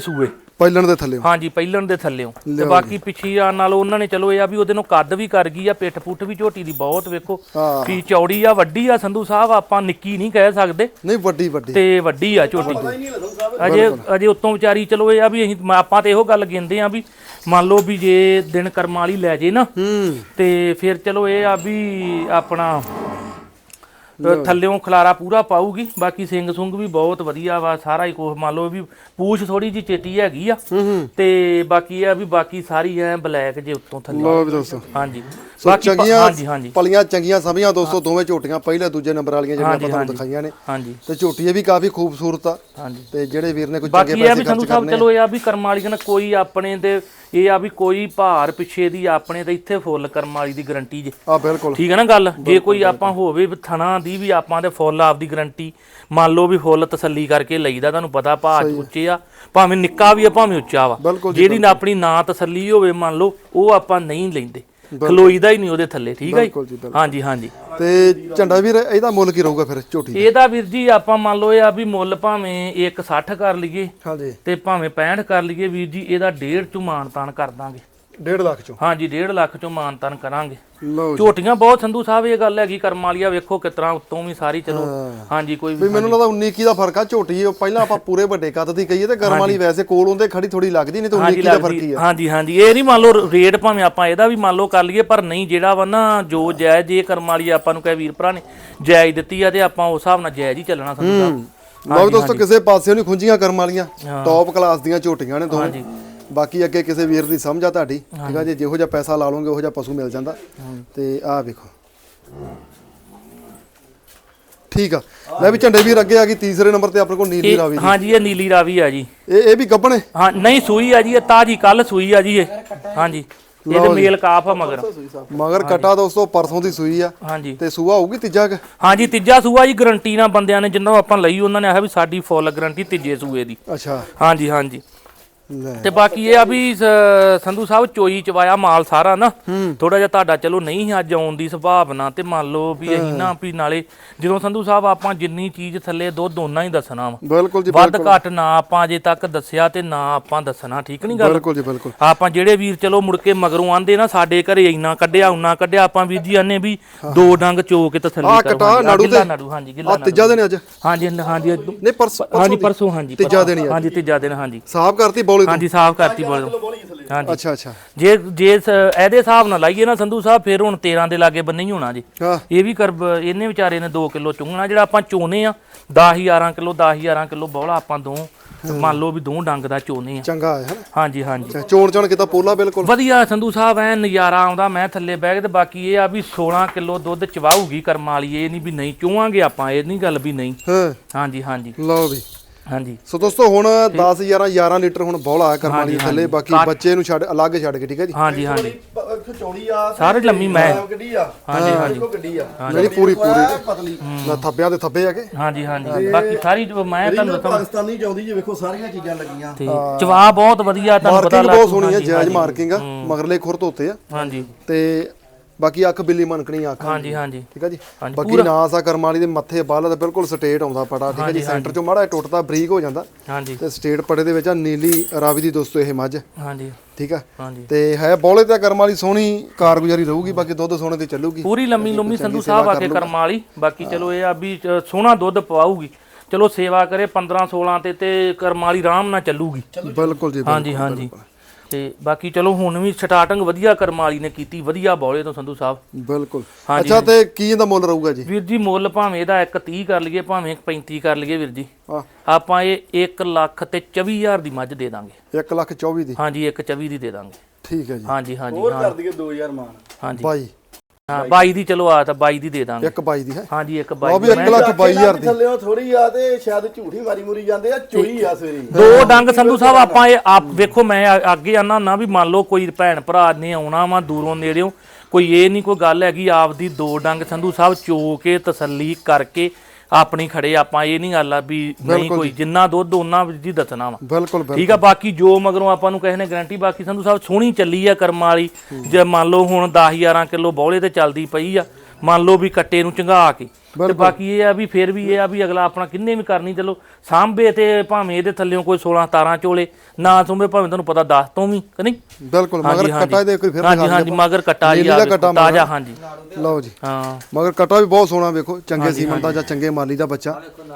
ਪਹਿਲਣ ਦੇ ਥੱਲੇ ਹਾਂਜੀ ਪਹਿਲਣ ਦੇ ਥੱਲਿਓਂ ਤੇ ਬਾਕੀ ਪਿੱਛੀਆਂ ਨਾਲ ਉਹਨਾਂ ਨੇ ਚਲੋ ਇਹ ਆ ਵੀ ਉਹਦੇ ਨੂੰ ਕੱਦ ਵੀ ਕਰ ਗਈ ਆ, ਪਿੱਠ ਪੁੱਠ ਵੀ ਝੋਟੀ ਦੀ ਬਹੁਤ ਵੇਖੋ ਹਾਂ ਵੀ ਚੌੜੀ ਆ, ਵੱਡੀ ਆ ਸੰਧੂ ਸਾਹਿਬ, ਆਪਾਂ ਨਿੱਕੀ ਨਹੀਂ ਕਹਿ ਸਕਦੇ ਨਹੀਂ ਵੱਡੀ ਵੱਡੀ ਤੇ ਵੱਡੀ ਆ ਝੋਟੀ ਅਜੇ ਅਜੇ ਉੱਤੋਂ ਵਿਚਾਰੀ ਚਲੋ ਇਹ ਆ ਵੀ ਅਸੀਂ ਆਪਾਂ ਤੇ ਇਹੋ ਗੱਲ ਗਿੰਦੇ ਆ ਵੀ ਮੰਨ ਲਓ ਵੀ ਜੇ ਦਿਨ ਕਰਮ ਵਾਲੀ ਲੈ ਜੇ ਨਾ ਹੂੰ ਤੇ ਫਿਰ ਚਲੋ ਇਹ ਆ ਵੀ ਆਪਣਾ ਥੱਲਿਓਂ ਖਲਾਰਾ ਪੂਰਾ ਪਾਊਗੀ। ਬਾਕੀ ਸਿੰਘ ਸੁੰਗ ਵੀ ਬਹੁਤ ਵਧੀਆ ਵਾ, ਸਾਰਾ ਹੀ ਕੁਛ ਮੰਨ ਲਓ ਵੀ ਪੂਛ ਥੋੜੀ ਜੀ ਚੇਟੀ ਹੈਗੀ ਆ ਤੇ ਬਾਕੀ ਇਹ ਆ ਵੀ ਬਾਕੀ ਸਾਰੀ ਐ ਬਲੈਕ ਜੇ ਉੱਤੋਂ ਥੱਲੇ ਲੋ ਵੀ ਦੋਸਤੋ ਹਾਂਜੀ ਬਾਕੀ ਚੰਗੀਆਂ ਹਾਂਜੀ ਹਾਂਜੀ ਪਲੀਆਂ ਚੰਗੀਆਂ ਸਮੀਆਂ ਦੋਸਤੋ ਦੋਵੇਂ ਝੋਟੀਆਂ ਪਹਿਲੇ ਦੂਜੇ ਨੰਬਰ ਵਾਲੀਆਂ ਜਿਹੜੀਆਂ ਆਪਾਂ ਤੁਹਾਨੂੰ ਦਿਖਾਈਆਂ ਨੇ ਹਾਂਜੀ ਤੇ ਝੋਟੀ ਇਹ ਵੀ ਕਾਫੀ ਖੂਬਸੂਰਤ ਆ ਹਾਂਜੀ ਤੇ ਜਿਹੜੇ ਵੀਰ ਨੇ ਕੋਈ ਬਾਕੀ ਚੰਗੇ ਇਹ ਆ ਪੈਸੇ ਵੀ ਸੰਧੂ ਖਰਚ ਸਾਹਿਬ ਕਰਨੇ ਚਲੋ ਇਹ ਆ ਵੀ ਕਰਮ ਵਾਲੀ ਕਹਿੰਦਾ ਕੋਈ ਆਪਣੇ ਤੇ ਇਹ ਆ ਵੀ ਕੋਈ ਭਾਰ ਪਿੱਛੇ ਦੀ ਆਪਣੇ ਤੇ ਇੱਥੇ ਫੁੱਲ ਕਰਮ ਵਾਲੀ ਦੀ ਗਾਰੰਟੀ ਜੇ ਆ ਬਿਲਕੁਲ ਠੀਕ ਹੈ ਨਾ ਗੱਲ। ਜੇ ਕੋਈ ਆਪਾਂ ਹੋਵੇ ਥਣਾ ਦੀ ਵੀ ਆਪਾਂ ਦੇ ਫੁੱਲ ਆਪਦੀ ਗਾਰੰਟੀ ਮੰਨ ਲਓ ਵੀ ਫੁੱਲ ਤਸੱਲੀ ਕਰਕੇ ਲਈਦਾ, ਤੁਹਾਨੂੰ ਪਤਾ ਭਾਅ ਉੱਚੇ ਆ, ਭਾਵੇਂ ਨਿੱਕਾ ਵੀ ਆ ਭਾਵੇਂ ਉੱਚਾ ਵਾ, ਜਿਹੜੀ ਨਾ ਆਪਣੀ ਨਾ ਤਸੱਲੀ ਹੋਵੇ ਮੰਨ ਲਓ ਉਹ ਆਪਾਂ ਨਹੀਂ ਲੈਂਦੇ, ਖਲੋਈਦਾ ਹੀ ਨਹੀਂ ਉਹਦੇ ਥੱਲੇ। ਠੀਕ ਹੈ ਜੀ ਹਾਂਜੀ ਹਾਂਜੀ। ਤੇ ਝੰਡਾ ਵੀਰ ਇਹਦਾ ਮੁੱਲ ਕੀ ਰਹੂਗਾ ਫਿਰ ਝੋਟੀ ਇਹਦਾ ਵੀਰ ਜੀ ਆਪਾਂ ਮੰਨ ਲਓ ਇਹ ਆ ਵੀ ਮੁੱਲ ਭਾਵੇਂ ਇੱਕ ਸੱਠ ਕਰ ਲਈਏ ਹਾਂਜੀ ਤੇ ਭਾਵੇਂ ਪੈਂਹਠ ਕਰ ਲਈਏ ਵੀਰ ਜੀ, ਇਹਦਾ ਡੇਢ ਚੋਂ ਮਾਨਤਾਨ ਕਰ ਦਾਂਗੇ। ਡੇਢ ਲੱਖ ਚੋਂ ਹਾਂਜੀ ਡੇਢ ਲੱਖ ਚੋਂ ਮਾਨਤਾਨ ਕਰਾਂਗੇ। ਲਓ ਝੋਟੀਆਂ ਬਹੁਤ ਸੰਧੂ ਸਾਹਿਬ ਇਹ ਗੱਲ ਹੈਗੀ ਕਰਮ ਵਾਲੀਆ ਵੇਖੋ ਕਿਤਨਾ ਉੱਤੋਂ ਵੀ ਸਾਰੀ ਚਲੋ ਹਾਂਜੀ ਕੋਈ ਵੀ ਮੈਨੂੰ ਲੱਗਦਾ ਉੱਨੀ ਇੱਕੀ ਦਾ ਫਰਕ ਆ। ਝੋਟੀ ਉਹ ਪਹਿਲਾਂ ਆਪਾਂ ਪੂਰੇ ਵੱਡੇ ਕੱਦ ਦੀ ਕਹੀਏ ਤੇ ਗਰਮ ਵਾਲੀ ਵੈਸੇ ਕੋਲ ਹੁੰਦੇ ਖੜੀ ਥੋੜੀ ਲੱਗਦੀ, ਨਹੀਂ ਤੇ ਉੱਨੀ ਇੱਕੀ ਦਾ ਫਰਕ ਹੀ ਆ। ਹਾਂਜੀ ਹਾਂਜੀ ਇਹ ਨਹੀਂ ਮੰਨ ਲਓ ਰੇਟ ਭਾਵੇਂ ਆਪਾਂ ਇਹਦਾ ਵੀ ਮੰਨ ਲਓ ਕਰ ਲਈਏ, ਪਰ ਨਹੀਂ ਜਿਹੜਾ ਵਾ ਨਾ ਜੋ ਜਾਇਜ਼ ਇਹ ਕਰਮ ਵਾਲੀ ਆਪਾਂ ਨੂੰ ਕਹੇ ਵੀਰ ਭਰਾ ਨੇ ਜਾਇਜ਼ ਦਿੱਤੀ ਆ ਤੇ ਆਪਾਂ ਉਸ ਹਿਸਾਬ ਨਾਲ ਜਾਇਜ਼ ਹੀ ਚੱਲਣਾ ਸੰਧੂ ਸਾਹਿਬ। ਲਓ ਦੋਸਤੋ ਕਿਸੇ ਪਾਸੇ ਨਹੀਂ ਖੁੰਝੀਆਂ ਕਰਮ ਵਾਲੀਆਂ ਟੌਪ ਕਲਾਸ ਦੀਆਂ ਝੋਟੀਆਂ ਨੇ ਦੋਵੇਂ। ਬਾਕੀ ਅੱਗੇ ਕਿਸੇ ਵੀਰ ਦੀ ਸਮਝ ਆ ਤੁਹਾਡੀ, ਠੀਕ ਆ ਜੀ, ਜਿਹੋ ਜਿਹਾ ਪੈਸਾ ਲਾ ਲਓਗੇ ਉਹੋ ਜਿਹਾ ਪਸ਼ੂ ਮਿਲ ਜਾਂਦਾ। ਤੇ ਆਹ ਵੇਖੋ ਠੀਕ ਆ। ਲੈ ਵੀ ਝੰਡੇ ਵੀਰ ਅੱਗੇ ਆ ਗਈ ਤੀਸਰੇ ਨੰਬਰ ਤੇ ਆਪਣੇ ਕੋਲ ਨੀਲੀ ਰਾਵੀ ਦੀ। ਹਾਂਜੀ ਇਹ ਨੀਲੀ ਰਾਵੀ ਆ ਜੀ। ਇਹ ਇਹ ਵੀ ਗੱਭਣ ਹੈ? ਹਾਂ ਨਹੀਂ ਸੂਈ ਆ ਜੀ, ਇਹ ਤਾਜੀ ਕੱਲ ਸੂਈ ਆ ਜੀ ਇਹ। ਹਾਂਜੀ ਇਹਦੇ ਮੇਲ ਕਾਫ ਆ ਮਗਰ ਮਗਰ ਕਟਾ ਦੋਸਤੋ ਪਰਸੋਂ ਦੀ ਸੂਈ ਆ। ਹਾਂਜੀ ਤੇ ਸੂਆ ਹੋਊਗੀ ਤੀਜਾ ਕਿ? ਹਾਂਜੀ ਤੀਜਾ ਸੂਆ ਜੀ, ਗਰੰਟੀ ਨਾਲ ਬੰਦਿਆਂ ਨੇ ਜਿੰਨਾਂ ਆਪਾਂ ਲਈ ਉਹਨਾਂ ਨੇ ਆਖਿਆ ਵੀ ਸਾਡੀ ਫੁੱਲ ਗਰੰਟੀ ਤੀਜੇ ਸੂਏ ਦੀ। ਅੱਛਾ ਹਾਂਜੀ ਹਾਂਜੀ। ਤੇ ਬਾਕੀ ਇਹ ਆ ਵੀ ਸੰਧੂ ਸਾਹਿਬ ਚੋਈ ਚਵਾਇਆ ਮਾਲ ਸਾਰਾ ਨਾ ਥੋੜਾ ਜਿਹਾ ਤੁਹਾਡਾ ਚਲੋ ਨਹੀਂ ਅੱਜ ਆਉਣ ਦੀ ਸੰਭਾਵਨਾ, ਤੇ ਮੰਨ ਲਓ ਵੀ ਅਸੀਂ ਨਾ ਵੀ ਨਾਲੇ ਜਦੋਂ ਸੰਧੂ ਸਾਹਿਬ ਆਪਾਂ ਜਿੰਨੀ ਚੀਜ਼ ਥੱਲੇ ਦੁੱਧ ਦੋਨਾਂ ਹੀ ਦੱਸਣਾ ਵਾ, ਬਿਲਕੁਲ ਜੀ ਵੱਧ ਘੱਟ ਨਾ ਆਪਾਂ ਅਜੇ ਤੱਕ ਦੱਸਿਆ ਤੇ ਨਾ ਆਪਾਂ ਦੱਸਣਾ। ਠੀਕ ਨਹੀਂ ਗੱਲ? ਬਿਲਕੁਲ ਜੀ ਬਿਲਕੁਲ। ਆਪਾਂ ਜਿਹੜੇ ਵੀਰ ਚਲੋ ਮੁੜ ਕੇ ਮਗਰੋਂ ਆਂਦੇ ਨਾ ਸਾਡੇ ਘਰੇ ਇੰਨਾ ਕੱਢਿਆ ਉਨਾ ਕੱਢਿਆ, ਆਪਾਂ ਵੀਰ ਜੀ ਆਨੇ ਵੀ ਦੋ ਡੰਗ ਚੋ ਕੇ ਤਸੱਲੀ ਕਰੋ। ਕਟਾ ਨਾੜੂ ਤੇ ਨਾੜੂ ਹਾਂਜੀ ਗਿੱਲਾ ਨਾੜੂ ਤੀਜਾ ਦਿਨ ਅੱਜ? ਹਾਂਜੀ ਹਾਂਜੀ ਨਹੀਂ ਪਰਸੋਂ ਹਾਂਜੀ ਪਰਸੋਂ ਹਾਂਜੀ ਤੀਜਾ ਦਿਨ ਹਾਂਜੀ ਤੀਜਾ ਦਿਨ ਹਾਂਜੀ। ਸਾਫ਼ ਕਰਤੀ ਬੋਲੀ ਹਾਂਜੀ ਸਾਫ਼ ਕਰਤੀ ਬੋਲ ਹਾਂਜੀ। ਅੱਛਾ ਅੱਛਾ। ਜੇ ਜੇ ਇਹਦੇ ਹਿਸਾਬ ਨਾਲ ਲਾਈਏ ਨਾ ਸੰਧੂ ਸਾਹਿਬ ਫਿਰ ਹੁਣ ਤੇਰਾਂ ਦੇ ਲਾਗੇ ਬੰਨੇ ਹੀ ਹੋਣਾ ਜੀ। ਇਹ ਵੀ ਕਰ ਇਹਨੇ ਵਿਚਾਰੇ ਨੇ ਦੋ ਕਿਲੋ ਚੁੰਗਣਾ, ਜਿਹੜਾ ਆਪਾਂ ਚੋਨੇ ਆ ਦਸ ਗਿਆਰਾਂ ਕਿਲੋ ਦਸ ਗਿਆਰਾਂ ਕਿਲੋ ਬੋਲਾ ਆਪਾਂ ਦੋ ਮੰਨ ਲਓ ਵੀ ਦੋ ਡੰਗ ਦਾ ਚੋਨੇ ਆ। ਚੰਗਾ ਹੈ ਹਾਂਜੀ ਹਾਂਜੀ। ਚੋਣ ਚੋਣ ਕੀਤਾ ਪੋਲਾ ਬਿਲਕੁਲ ਵਧੀਆ ਸੰਧੂ ਸਾਹਿਬ ਐ ਨਜ਼ਾਰਾ ਆਉਂਦਾ। ਮੈਂ ਥੱਲੇ ਬਹਿ ਕੇ ਤੇ ਬਾਕੀ ਇਹ ਆ ਵੀ ਸੋਲਾਂ ਕਿਲੋ ਦੁੱਧ ਚਵਾਊਗੀ ਕਰਮ ਵਾਲੀ, ਇਹ ਨਹੀਂ ਵੀ ਨਹੀਂ ਚੋਵਾਂਗੇ ਆਪਾਂ, ਇਹ ਨਹੀਂ ਗੱਲ ਵੀ ਨਹੀਂ। ਹਾਂਜੀ ਹਾਂਜੀ। ਲਓ ਵੀ ਹਾਂਜੀ। ਸੋ ਦੋਸਤੋ ਹੁਣ ਦਸ ਗਿਆਰਾਂ ਗਿਆਰਾਂ ਲੀਟਰ ਹੁਣ ਬੌਲਾ ਕਰਮ ਵਾਲੀ ਥੱਲੇ, ਬਾਕੀ ਬੱਚੇ ਨੂੰ ਛੱਡ ਅਲੱਗ ਛੱਡ ਕੇ, ਠੀਕ ਹੈ ਜੀ। ਹਾਂਜੀ ਹਾਂਜੀ ਚੌੜੀ ਆ ਸਾਰੇ ਲੰਮੀ ਮੈਂ ਗੱਡੀ ਆ। ਹਾਂਜੀ ਹਾਂਜੀ ਗੱਡੀ ਆ ਮੇਰੀ ਪੂਰੀ ਪੂਰੀ ਪਤਲੀ ਨਾ ਥੱਬਿਆਂ ਤੇ ਥੱਬੇ ਆ ਕੇ। ਹਾਂਜੀ ਹਾਂਜੀ। ਬਾਕੀ ਸਾਰੀ ਮੈਂ ਤੁਹਾਨੂੰ ਦੱਸਾਂ ਪਾਕਿਸਤਾਨੀ ਚਾਉਂਦੀ ਜੀ, ਵੇਖੋ ਸਾਰੀਆਂ ਚੀਜ਼ਾਂ ਲੱਗੀਆਂ। ਚਵਾ ਬਹੁਤ ਵਧੀਆ, ਤੁਹਾਨੂੰ ਪਤਾ ਲੱਗ ਬਹੁਤ ਸੋਹਣੀ ਹੈ, ਜਾਇਜ਼ ਮਾਰਕਿੰਗ ਆ, ਮਗਰਲੇ ਖੁਰ ਧੋਤੇ ਆ। ਹਾਂਜੀ ਤੇ ਬਾਕੀ ਅੱਖ ਬਿੱਲੀ ਮਨਕਣੀ ਅੱਖ। ਹਾਂਜੀ ਹਾਂਜੀ ਠੀਕ ਹੈ ਜੀ। ਬਾਕੀ ਨਾਸ ਆ ਕਰਮ ਵਾਲੀ ਦੇ ਮੱਥੇ ਬਾਲ ਤੇ ਬਿਲਕੁਲ ਸਟੇਟ ਆਉਂਦਾ ਪੜਾ, ਠੀਕ ਹੈ ਜੀ। ਸੈਂਟਰ ਚੋਂ ਮਾੜਾ ਟੁੱਟਦਾ ਬਰੀਕ ਹੋ ਜਾਂਦਾ। ਹਾਂਜੀ। ਤੇ ਸਟੇਟ ਪੜੇ ਦੇ ਵਿੱਚ ਆ ਨੀਲੀ ਰਾਵੀ ਦੀ ਦੋਸਤੋ ਇਹ ਮੱਝ। ਹਾਂਜੀ ਠੀਕ ਆ। ਹਾਂਜੀ। ਤੇ ਹੈ ਬੋਲੇ ਤੇ ਕਰਮ ਵਾਲੀ ਸੋਹਣੀ ਕਾਰਗੁਜ਼ਾਰੀ ਰਹੂਗੀ, ਬਾਕੀ ਦੁੱਧ ਸੋਹਣੇ ਤੇ ਚੱਲੂਗੀ ਪੂਰੀ ਲੰਮੀ ਲੰਮੀ ਸੰਧੂ ਸਾਹਿਬ ਆ ਕੇ ਕਰਮ ਵਾਲੀ। ਬਾਕੀ ਚਲੋ ਇਹ ਆ ਵੀ ਸੋਹਣਾ ਦੁੱਧ ਪਵਾਊਗੀ, ਚਲੋ ਸੇਵਾ ਕਰੇ ਪੰਦਰਾਂ ਸੋਲਾਂ ਤੇ ਤੇ ਕਰਮ ਵਾਲੀ ਆਰਾਮ ਨਾਲ ਚੱਲੂਗੀ। ਬਿਲਕੁਲ ਜੀ। ਹਾਂਜੀ ਹਾਂਜੀ। ਤੇ ਬਾਕੀ ਚਲੋ ਹੁਣ ਵੀ ਸਟਾਰਟਿੰਗ ਵਧੀਆ ਕਰਮ ਵਾਲੀ ਨੇ ਕੀਤੀ, ਵਧੀਆ ਬੌਲੇ ਤੋਂ ਸੰਧੂ ਸਾਹਿਬ। ਬਿਲਕੁਲ। ਅੱਛਾ ਤੇ ਕੀ ਇਹਦਾ ਮੁੱਲ ਰਹੂਗਾ ਜੀ? ਵੀਰ ਜੀ ਮੁੱਲ ਭਾਵੇਂ ਇਹਦਾ ਇੱਕ ਤੀਹ ਕਰ ਲਈਏ ਭਾਵੇਂ ਇੱਕ ਪੈਂਤੀ ਕਰ ਲਈਏ ਵੀਰ ਜੀ, ਆਪਾਂ ਇਹ ਇੱਕ ਲੱਖ ਤੇ ਚੌਵੀ ਹਜ਼ਾਰ ਦੀ ਮੱਝ ਦੇ ਦਾਂਗੇ। ਇੱਕ ਲੱਖ ਚੌਵੀ ਦੀ? ਹਾਂਜੀ ਇੱਕ ਚੌਵੀ ਦੀ ਦੇ ਦਾਂਗੇ। ਠੀਕ ਹੈ ਜੀ। ਹਾਂਜੀ ਹਾਂਜੀ। ਹੋਰ ਕਰ ਦਈਏ ਦੋ ਹਜ਼ਾਰ ਮਾਨ। ਹਾਂਜੀ ਬਾਈ ਹਾਂ ਬਾਈ ਦੀ ਚਲੋ ਆ ਤਾਂ ਬਾਈ ਦੀ ਦੇ ਦਾਂਗੇ। ਇੱਕ ਬਾਈ ਦੀ ਹੈ? ਹਾਂਜੀ ਇੱਕ ਬਾਈ ਉਹ ਵੀ ਇੱਕ ਲੱਖ ਬਾਈ ਹਜ਼ਾਰ ਦੀ। ਥੱਲੇੋਂ ਥੋੜੀ ਆ ਤੇ ਸ਼ਾਇਦ ਝੂਠੀ ਮਾਰੀ ਮੁਰੀ ਜਾਂਦੇ ਆ, ਚੋਈ ਆ ਸਵੇਰੀ ਦੋ ਡੰਗ ਸੰਧੂ ਸਾਹਿਬ ਆਪਾਂ ਇਹ ਆਪ ਵੇਖੋ। ਮੈਂ ਅੱਗੇ ਆਨਾ ਨਾ ਵੀ ਮੰਨ ਲਓ ਕੋਈ ਭੈਣ ਭਰਾ ਨੇ ਆਉਣਾ ਵਾ ਦੂਰੋਂ ਨੇੜਿਓਂ, ਕੋਈ ਇਹ ਨਹੀਂ ਕੋਈ ਗੱਲ ਹੈਗੀ ਆਪਦੀ ਦੋ ਡੰਗ ਸੰਧੂ ਸਾਹਿਬ ਚੋ ਕੇ ਤਸੱਲੀ ਕਰਕੇ ਆਪਣੀ ਖੜੇ ਆਪਾਂ, ਇਹ ਨਹੀਂ ਗੱਲ ਆ ਵੀ ਨਹੀਂ ਕੋਈ ਜਿੰਨਾ ਦੁੱਧ ਉਹਨਾਂ ਵਿੱਚ ਹੀ ਦੱਸਣਾ ਵਾ। ਬਿਲਕੁਲ ਠੀਕ ਆ। ਬਾਕੀ ਜੋ ਮਗਰੋਂ ਆਪਾਂ ਨੂੰ ਕਿਸੇ ਨੇ ਗਾਰੰਟੀ, ਬਾਕੀ ਸੰਧੂ ਸਾਹਿਬ ਸੋਹਣੀ ਚੱਲੀ ਆ ਕਰਮ ਵਾਲੀ। ਜੇ ਮੰਨ ਲਓ ਹੁਣ ਦਸ ਗਿਆਰਾਂ ਕਿਲੋ ਬੌਲੇ ਤੇ ਚੱਲਦੀ ਪਈ ਆ, ਮੰਨ ਲਓ ਵੀ ਕੱਟੇ ਨੂੰ ਚੰਗਾ ਕੇ ਤੇ ਬਾਕੀ ਇਹ ਆ ਵੀ ਫਿਰ ਵੀ ਇਹ ਆ ਵੀ ਅਗਲਾ ਆਪਣਾ ਕਿੰਨੇ ਵੀ ਕਰਨੀ ਚਲੋ ਸਾਂਭੇ ਤੇ ਭਾਵੇਂ ਇਹਦੇ ਥੱਲੇੋਂ ਕੋਈ ਸੋਲਾਂ ਸਤਾਰਾਂ ਚੋਲੇ ਨਾ ਸੁੰਭੇ ਭਾਵੇਂ ਤੁਹਾਨੂੰ ਪਤਾ ਦਸ ਤੋਂ ਵੀ ਕਿ ਨਹੀਂ ਬਿਲਕੁਲ ਮਗਰ ਕੱਟਾ ਦੇ ਕੋਈ ਫਿਰ ਹਾਂਜੀ ਹਾਂਜੀ ਮਗਰ ਕੱਟਾ ਜੀ ਆ ਤਾਜ਼ਾ ਹਾਂਜੀ ਲਓ ਜੀ ਹਾਂ ਮਗਰ ਕੱਟਾ ਵੀ ਬਹੁਤ ਸੋਹਣਾ ਵੇਖੋ ਚੰਗੇ ਸੀਮਨ ਦਾ ਜਾਂ ਚੰਗੇ ਮਾਲੀ ਦਾ ਬੱਚਾ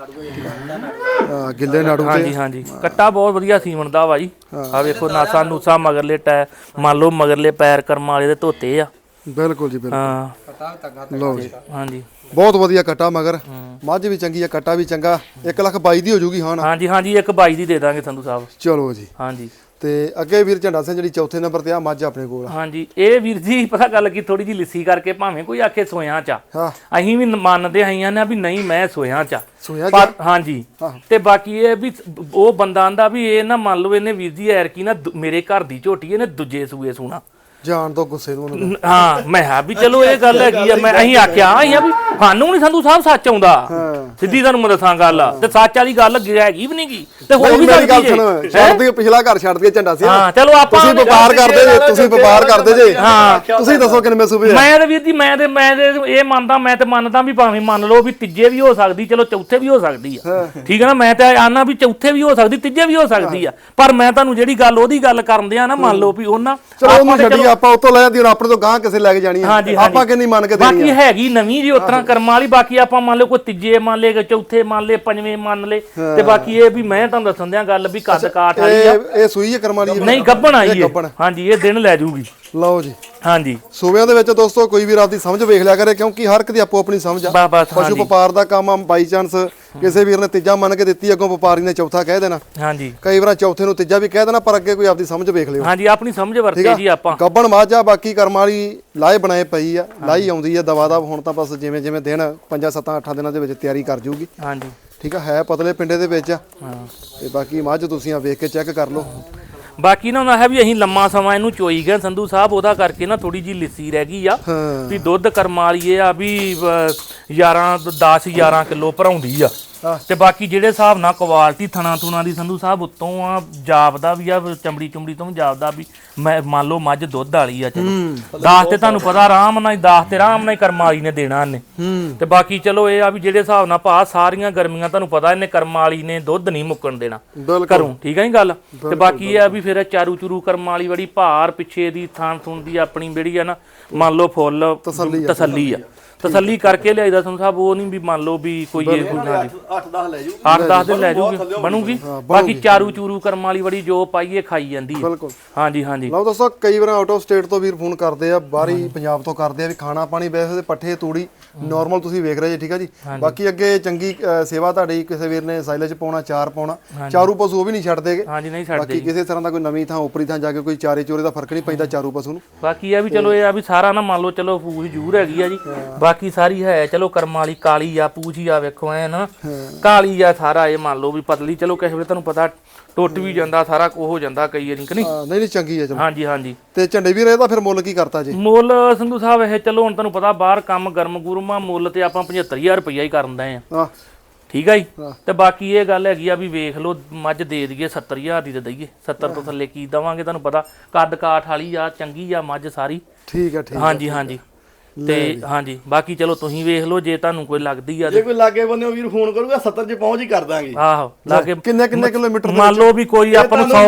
ਆ ਗਿੱਲੇ ਨਾੜੂ ਤੇ ਹਾਂਜੀ ਹਾਂਜੀ ਕੱਟਾ ਬਹੁਤ ਵਧੀਆ ਸੀਮਨ ਦਾ ਵਾ ਜੀ ਆ ਵੇਖੋ ਨਾਸਾ ਨੂਸਾ ਮਗਰਲੇ ਟੈ ਮੰਨ ਲਓ ਮਗਰਲੇ ਪੈਰ ਕਰਮ ਵਾਲੇ ਦੇ ਧੋਤੇ ਆ ਬਿਲਕੁਲ ਜੀ ਬਿਲਕੁਲ ਹਾਂ ਲਓ ਜੀ ਹਾਂਜੀ ਬਹੁਤ ਵਧੀਆ ਕੱਟਾ ਮਗਰ ਮੱਝ ਵੀ ਚੰਗੀ ਆ ਕੱਟਾ ਵੀ ਚੰਗਾ ਇੱਕ ਲੱਖ ਬਾਈ ਦੀ ਹੋ ਜੂਗੀ ਹਾਂ ਹਾਂਜੀ ਹਾਂਜੀ ਇੱਕ ਬਾਈ ਦੀ ਦੇ ਦਾਂਗੇ ਸੰਧੂ ਸਾਹਿਬ ਚਲੋ ਜੀ ਹਾਂਜੀ ਤੇ ਅੱਗੇ ਵੀਰ ਝੰਡਾ ਸਿੰਘ ਜਿਹੜੀ ਚੌਥੇ ਨੰਬਰ ਤੇ ਆ ਮੱਝ ਆਪਣੇ ਕੋਲ ਹਾਂਜੀ ਇਹ ਵੀਰ ਜੀ ਪਤਾ ਗੱਲ ਕੀ ਥੋੜੀ ਜੀ ਲਿੱਸੀ ਕਰਕੇ ਭਾਵੇਂ ਕੋਈ ਆਖੇ ਸੋਇਆਂ ਚ ਹਾਂ ਅਸੀਂ ਵੀ ਮੰਨਦੇ ਆਈਆਂ ਨੇ ਵੀ ਨਹੀਂ ਮੈਂ ਸੋਇਆਂ ਚ ਸੋਇਆ ਪਰ ਹਾਂਜੀ ਤੇ ਬਾਕੀ ਇਹ ਵੀ ਉਹ ਬੰਦਾ ਆਂਦਾ ਵੀ ਇਹ ਨਾ ਮੰਨ ਲਓ ਇਹਨੇ ਵੀਰ ਜੀ ਐਰ ਕੀ ਨਾ ਮੇਰੇ ਘਰ ਦੀ ਝੋਟੀ ਇਹਨੇ ਦੂਜੇ ਸੂਏ ਸੋਣਾ ਜਾਣ ਤੋਂ ਗੁੱਸੇ ਨੂੰ ਉਹਨੂੰ ਹਾਂ ਮੈਂ ਹਾਂ ਵੀ ਚਲੋ ਇਹ ਗੱਲ ਹੈਗੀ ਆ ਮੈਂ ਅਸੀਂ ਆਖਿਆ ਅਸੀਂ ਆ ਵੀ ਸਾਨੂੰ ਨਹੀਂ ਸੰਧੂ ਸਾਹਿਬ ਸੱਚ ਆਉਂਦਾ ਸਿੱਧੀ ਤੁਹਾਨੂੰ ਮੈਂ ਦੱਸਾਂ ਗੱਲ ਤੇ ਸੱਚ ਵਾਲੀ ਗੱਲ ਹੈਗੀ ਵੀ ਨਹੀਂ ਗੀ ਤੇ ਹੋ ਵੀ ਮੇਰੀ ਗੱਲ ਸਕਦੀ ਸੁਣ ਛੱਡ ਦੇ ਪਿਛਲਾ ਘਰ ਛੱਡ ਦੇ ਝੰਡਾ ਸਿੰਘ ਹਾਂ ਚਲੋ ਆਪਾਂ ਤੁਸੀਂ ਵਪਾਰ ਕਰਦੇ ਜੇ ਤੁਸੀਂ ਵਪਾਰ ਕਰਦੇ ਜੇ ਹਾਂ ਤੁਸੀਂ ਦੱਸੋ ਕਿੰਨੇ ਸੂਬੇ ਮੈਂ ਤੇ ਵੀਰ ਜੀ ਮੈਂ ਤੇ ਮੈਂ ਤੇ ਇਹ ਮੰਨਦਾ ਮੈਂ ਤੇ ਮੰਨਦਾ ਵੀ ਭਾਵੇਂ ਮੰਨ ਲਓ ਵੀ ਤੀਜੇ ਵੀ ਹੋ ਸਕਦੀ ਚਲੋ ਚੌਥੇ ਵੀ ਹੋ ਸਕਦੀ ਆ ਠੀਕ ਹੈ ਨਾ ਮੈਂ ਤੇ ਆਨਾ ਵੀ ਚੌਥੇ ਵੀ ਹੋ ਸਕਦੀ ਤੀਜੇ ਵੀ ਹੋ ਸਕਦੀ ਆ ਪਰ ਮੈਂ ਤੁਹਾਨੂੰ ਜਿਹੜੀ ਗੱਲ ਉਹਦੀ ਗੱਲ ਕਰਨ ਦਿਆਂ ਨਾ ਮੰਨ ਲਓ ਵੀ ਉਹਨਾਂ ਚਲੋ ਉਹਨੂੰ ਛੱਡੀ ਆਪਾਂ ਉਤੋਂ ਲੈ ਜਾਂਦੀ ਹੁਣ ਆਪਣੇ ਤੋਂ ਗਾਂ ਕਿਸੇ ਲੈ ਕੇ ਜਾਣੀ ਆ ਆਪਾਂ ਕਿੰਨੀ ਮੰਨ ਕੇ ਦੇਣੀ ਬਾਕੀ ਹੈਗੀ ਨਵੀਂ ਜੀ ਉਤਰਾ ਕਰਮਾਂ ਵਾਲੀ ਬਾਕੀ ਆਪਾਂ ਮੰਨ ਲਓ ਕੋਈ ਤੀਜੇ ਮੰਨ ਲਏ ਚੌਥੇ ਮੰਨ ਲਏ ਪੰਜਵੇਂ ਮੰਨ ਲਏ ਤੇ ਬਾਕੀ ਇਹ ਵੀ ਮੈਂ ਤੁਹਾਨੂੰ ਦੱਸਣ ਦਿਆਂ ਗੱਲ ਵੀ ਕੱਦ ਕਾਠ ਵਾਲੀ ਆ ਇਹ ਇਹ ਸੂਈ ਹੈ ਕਰਮਾਂ ਵਾਲੀ ਨਹੀਂ ਗੱਭਣ ਆਈ ਹੈ ਹਾਂਜੀ ਇਹ ਦਿਨ ਲੈ ਜੂਗੀ ਲਓ ਜੀ ਹਾਂਜੀ ਸੂਬਿਆਂ ਦੇ ਵਿੱਚ ਦੋਸਤੋ ਕੋਈ ਵੀ ਰਾਤ ਦੀ ਸਮਝ ਵੇਖ ਲਿਆ ਕਰੇ ਕਿਉਂਕਿ ਹਰ ਇੱਕ ਦੀ ਆਪੋ ਆਪਣੀ ਸਮਝ ਆ ਪਸ਼ੂ ਵਪਾਰ ਦਾ ਕੰਮ ਆ ਬਾਈ ਚਾਂਸ ਕਿਸੇ ਵੀਰ ਨੇ ਤੀਜਾ ਮੰਨ ਕੇ ਦਿੱਤੀ ਅੱਗੋਂ ਵਪਾਰੀ ਨੇ ਚੌਥਾ ਕਹਿ ਦੇਣਾ ਹਾਂਜੀ ਕਈ ਵਾਰ ਚੌਥੇ ਨੂੰ ਤੀਜਾ ਵੀ ਕਹਿ ਦੇਣਾ ਪਰ ਅੱਗੇ ਕੋਈ ਆਪਦੀ ਸਮਝ ਵੇਖ ਲਿਓ ਹਾਂਜੀ ਆਪਣੀ ਸਮਝ ਵਰਤੇ ਜੀ ਆਪਾਂ ਗੱਬਣ ਮਾਝਾ ਬਾਕੀ ਕਰਮਾਂ ਵਾਲੀ ਲਾਏ ਬਣਾਏ ਪਈ ਆ ਲਾਈ ਆਉਂਦੀ ਆ ਦਵਾ ਦਾ ਹੁਣ ਤਾਂ ਬਸ ਜਿਵੇਂ ਜਿਵੇਂ ਦਿਨ ਪੰਜਾਂ ਸੱਤਾਂ ਅੱਠਾਂ ਦਿਨਾਂ ਦੇ ਵਿੱਚ ਤਿਆਰੀ ਕਰ ਜੂਗੀ ਹਾਂਜੀ ਠੀਕ ਆ ਹੈ ਪਤਲੇ ਪਿੰਡੇ ਦੇ ਵਿੱਚ ਆ ਹਾਂ ਤੇ ਬਾਕੀ ਮੱਝ ਤੁਸੀਂ ਆ ਵੇਖ ਕੇ ਚੈੱਕ ਕਰ ਲਓ ਬਾਕੀ ਨਾ ਉਹਨਾਂ ਹੈ ਵੀ ਅਸੀਂ ਲੰਮਾ ਸਮਾਂ ਇਹਨੂੰ ਚੋਈ ਗਏ ਸੰਧੂ ਸਾਹਿਬ ਉਹਦਾ ਕਰਕੇ ਨਾ ਥੋੜੀ ਜੀ ਲਿੱਸੀ ਰਹਿ ਗਈ ਆ ਵੀ ਦੁੱਧ ਕਰਮਾਂ ਵਾਲੀ ਇਹ ਆ ਵੀ ਗਿਆਰਾਂ ਦਸ ਗਿਆਰਾਂ ਕਿਲੋ ਭਰਾਉਂਦੀ ਆ ਤੇ ਬਾਕੀ ਜਿਹੜੇ ਹਿਸਾਬ ਨਾਲ ਕੁਆਲਿਟੀ ਥਣਾ ਥੁਣਾ ਦੀ ਸੰਧੂ ਸਾਹਿਬ ਉੱਤੋਂ ਆ ਜਾਪਦਾ ਵੀ ਆ ਚਮੜੀ ਚੁੰਮੜੀ ਤੋਂ ਵੀ ਜਾਪਦਾ ਵੀ ਮੈਂ ਮੰਨ ਲਓ ਮੱਝ ਦੁੱਧ ਵਾਲੀ ਆ ਚਲੋ ਦਸ ਤੇ ਤੁਹਾਨੂੰ ਪਤਾ ਆਰਾਮ ਨਾਲ ਦਸ ਤੇ ਆਰਾਮ ਨਾਲ ਕਰਮਾਂ ਵਾਲੀ ਨੇ ਦੇਣਾ ਇਹਨੇ ਤੇ ਬਾਕੀ ਚਲੋ ਇਹ ਆ ਵੀ ਜਿਹੜੇ ਹਿਸਾਬ ਨਾਲ ਭਾ ਸਾਰੀਆਂ ਗਰਮੀਆਂ ਤੁਹਾਨੂੰ ਪਤਾ ਇਹਨੇ ਕਰਮਾਂ ਵਾਲੀ ਨੇ ਦੁੱਧ ਨਹੀਂ ਮੁੱਕਣ ਦੇਣਾ ਘਰੋਂ ਠੀਕ ਹੈ ਨੀ ਗੱਲ ਤੇ ਬਾਕੀ ਇਹ ਆ ਵੀ ਫਿਰ ਚਾਰੂ ਚੂਰੂ ਕਰਮਾਂ ਵਾਲੀ ਬੜੀ ਭਾਰ ਪਿੱਛੇ ਦੀ ਥਾਂ ਥੁਣ ਦੀ ਆਪਣੀ ਜਿਹੜੀ ਆ ਨਾ ਮੰਨ ਲਓ ਫੁੱਲ ਤਸੱਲੀ ਆ ਤਸੱਲੀ ਕਰਕੇ ਲਿਆਈਦਾ ਸੰਧੂ ਸਾਹਿਬ ਉਹ ਨਹੀਂ ਵੀ ਮੰਨ ਲਓ ਵੀ ਕੋਈ ਇਹ ਕੋਈ ਨਾ ਅੱਠ ਦਸ ਲੈ ਜੂ ਅੱਠ ਦਸ ਦਿਨ ਲੈ ਜੂਗੀ ਬਣੂਗੀ ਬਾਕੀ ਚਾਰੂ ਚੂਰੂ ਕਰਮ ਵਾਲੀ ਬੜੀ ਜੋ ਪਾਈਏ ਖਾਈ ਜਾਂਦੀ ਹੈ ਬਿਲਕੁਲ ਹਾਂਜੀ ਹਾਂਜੀ ਲਓ ਦੋਸਤੋ ਕਈ ਵਾਰ ਆਊਟ ਆਫ ਸਟੇਟ ਤੋਂ ਵੀਰ ਫੋਨ ਕਰਦੇ ਆ ਬਾਹਰੀ ਪੰਜਾਬ ਤੋਂ ਕਰਦੇ ਆ ਵੀ ਖਾਣਾ ਪਾਣੀ ਵੈਸੇ ਤੇ ਪੱਠੇ ਤੂੜੀ ਨਾਰਮਲ ਤੁਸੀਂ ਵੇਖ ਰਹੇ ਜੀ ਠੀਕ ਆ ਜੀ ਬਾਕੀ ਅੱਗੇ ਚੰਗੀ ਸੇਵਾ ਤੁਹਾਡੀ ਕਿਸੇ ਵੀਰ ਨੇ ਸਾਈਲੇਜ ਪਾਉਣਾ ਚਾਰ ਪਾਉਣਾ ਚਾਰੂ ਪਸ਼ੂ ਉਹ ਵੀ ਨਹੀਂ ਛੱਡਦੇਗੇ ਹਾਂਜੀ ਨਹੀਂ ਛੱਡਦੇ ਬਾਕੀ ਕਿਸੇ ਤਰ੍ਹਾਂ ਦਾ ਕੋਈ ਨਵੀਂ ਥਾਂ ਉਪਰੀ ਥਾਂ ਜਾ ਕੇ ਕੋਈ ਚਾਰੇ ਚੋਰੇ ਦਾ ਫਰਕ ਨਹੀਂ ਪੈਂਦਾ ਚਾਰੂ ਪਸ਼ੂ ਨੂੰ ਬਾਕੀ ਇਹ ਵੀ ਚਲੋ ਇਹ ਆ ਵੀ ਸਾਰਾ ਨਾ ਮੰਨ ਲਓ ਚਲੋ ਪੂਛ ਜ਼ਰੂਰ ਹੈਗੀ ਆ ਜੀ ਬਾਕੀ ਸਾਰੀ ਹੈ ਚਲੋ ਕਰਮਾਂ ਵਾਲੀ ਕਾਲੀ ਆ ਪੂਛ ਹੀ ਆ ਵੇਖੋ ਐ ਨਾ ਕਾਲੀ ਆ ਸਾਰਾ ਇਹ ਮੰਨ ਲਓ ਵੀ ਪਤਲੀ ਚਲੋ ਕਿਸੇ ਵੇਲੇ ਤੁਹਾਨੂੰ ਪਤਾ ਟੁੱਟ ਵੀ ਜਾਂਦਾ ਸਾਰਾ ਕੋ ਹੋ ਜਾਂਦਾ ਕਈ ਵਾਰੀ ਕਿ ਨਹੀਂ ਨਹੀਂ ਨਹੀਂ ਚੰਗੀ ਹੈ ਚਲੋ ਹਾਂਜੀ ਹਾਂਜੀ ਤੇ ਝੰਡੇ ਵੀਰ ਇਹਦਾ ਫਿਰ ਮੁੱਲ ਕੀ ਕਰਤਾ ਜੀ ਮੁੱਲ ਸੰਧੂ ਸਾਹਿਬ ਇਹ ਚਲੋ ਹੁਣ ਤੁਹਾਨੂੰ ਪਤਾ ਬਾਹਰ ਕੰਮ ਗਰਮ ਗੁਰਮਾ ਮੁੱਲ ਤੇ ਆਪਾਂ ਪਝੱਤਰ ਹਜ਼ਾਰ ਰੁਪਈਆ ਹੀ ਕਰਨ ਦਏ ਆ ਠੀਕ ਆ ਜੀ ਤੇ ਬਾਕੀ ਇਹ ਗੱਲ ਹੈਗੀ ਆ ਵੀ ਵੇਖ ਲਓ ਮੱਝ ਦੇ ਦਈਏ ਸੱਤਰ ਹਜ਼ਾਰ ਦੀ ਤੇ ਦਈਏ ਸੱਤਰ ਤੋਂ ਥੱਲੇ ਕੀ ਦਵਾਂਗੇ ਤੁਹਾਨੂੰ ਪਤਾ ਕੱਦ ਕਾਠ ਵਾਲੀ ਆ ਚੰਗੀ ਆ ਮੱਝ ਸਾਰੀ ਠੀਕ ਆ ਠੀਕ ਹਾਂਜੀ ਹਾਂਜੀ ਤੇ ਹਾਂਜੀ ਬਾਕੀ ਚਲੋ ਤੁਸੀਂ ਵੇਖ ਲਓ ਜੇ ਤੁਹਾਨੂੰ ਕੋਈ ਲੱਗਦੀ ਆ ਜੇ ਕੋਈ ਲਾਗੇ ਬੰਦੇ ਵੀਰ ਫੋਨ ਕਰੂਗਾ ਸੱਤਰ ਚ ਪਹੁੰਚ ਹੀ ਕਰ ਦਾਂਗੇ ਆਹੋ ਲਾਗੇ ਕਿੰਨੇ ਕਿੰਨੇ ਕਿਲੋਮੀਟਰ ਮੰਨ ਲਓ ਵੀ ਕੋਈ ਆਪਾਂ ਨੂੰ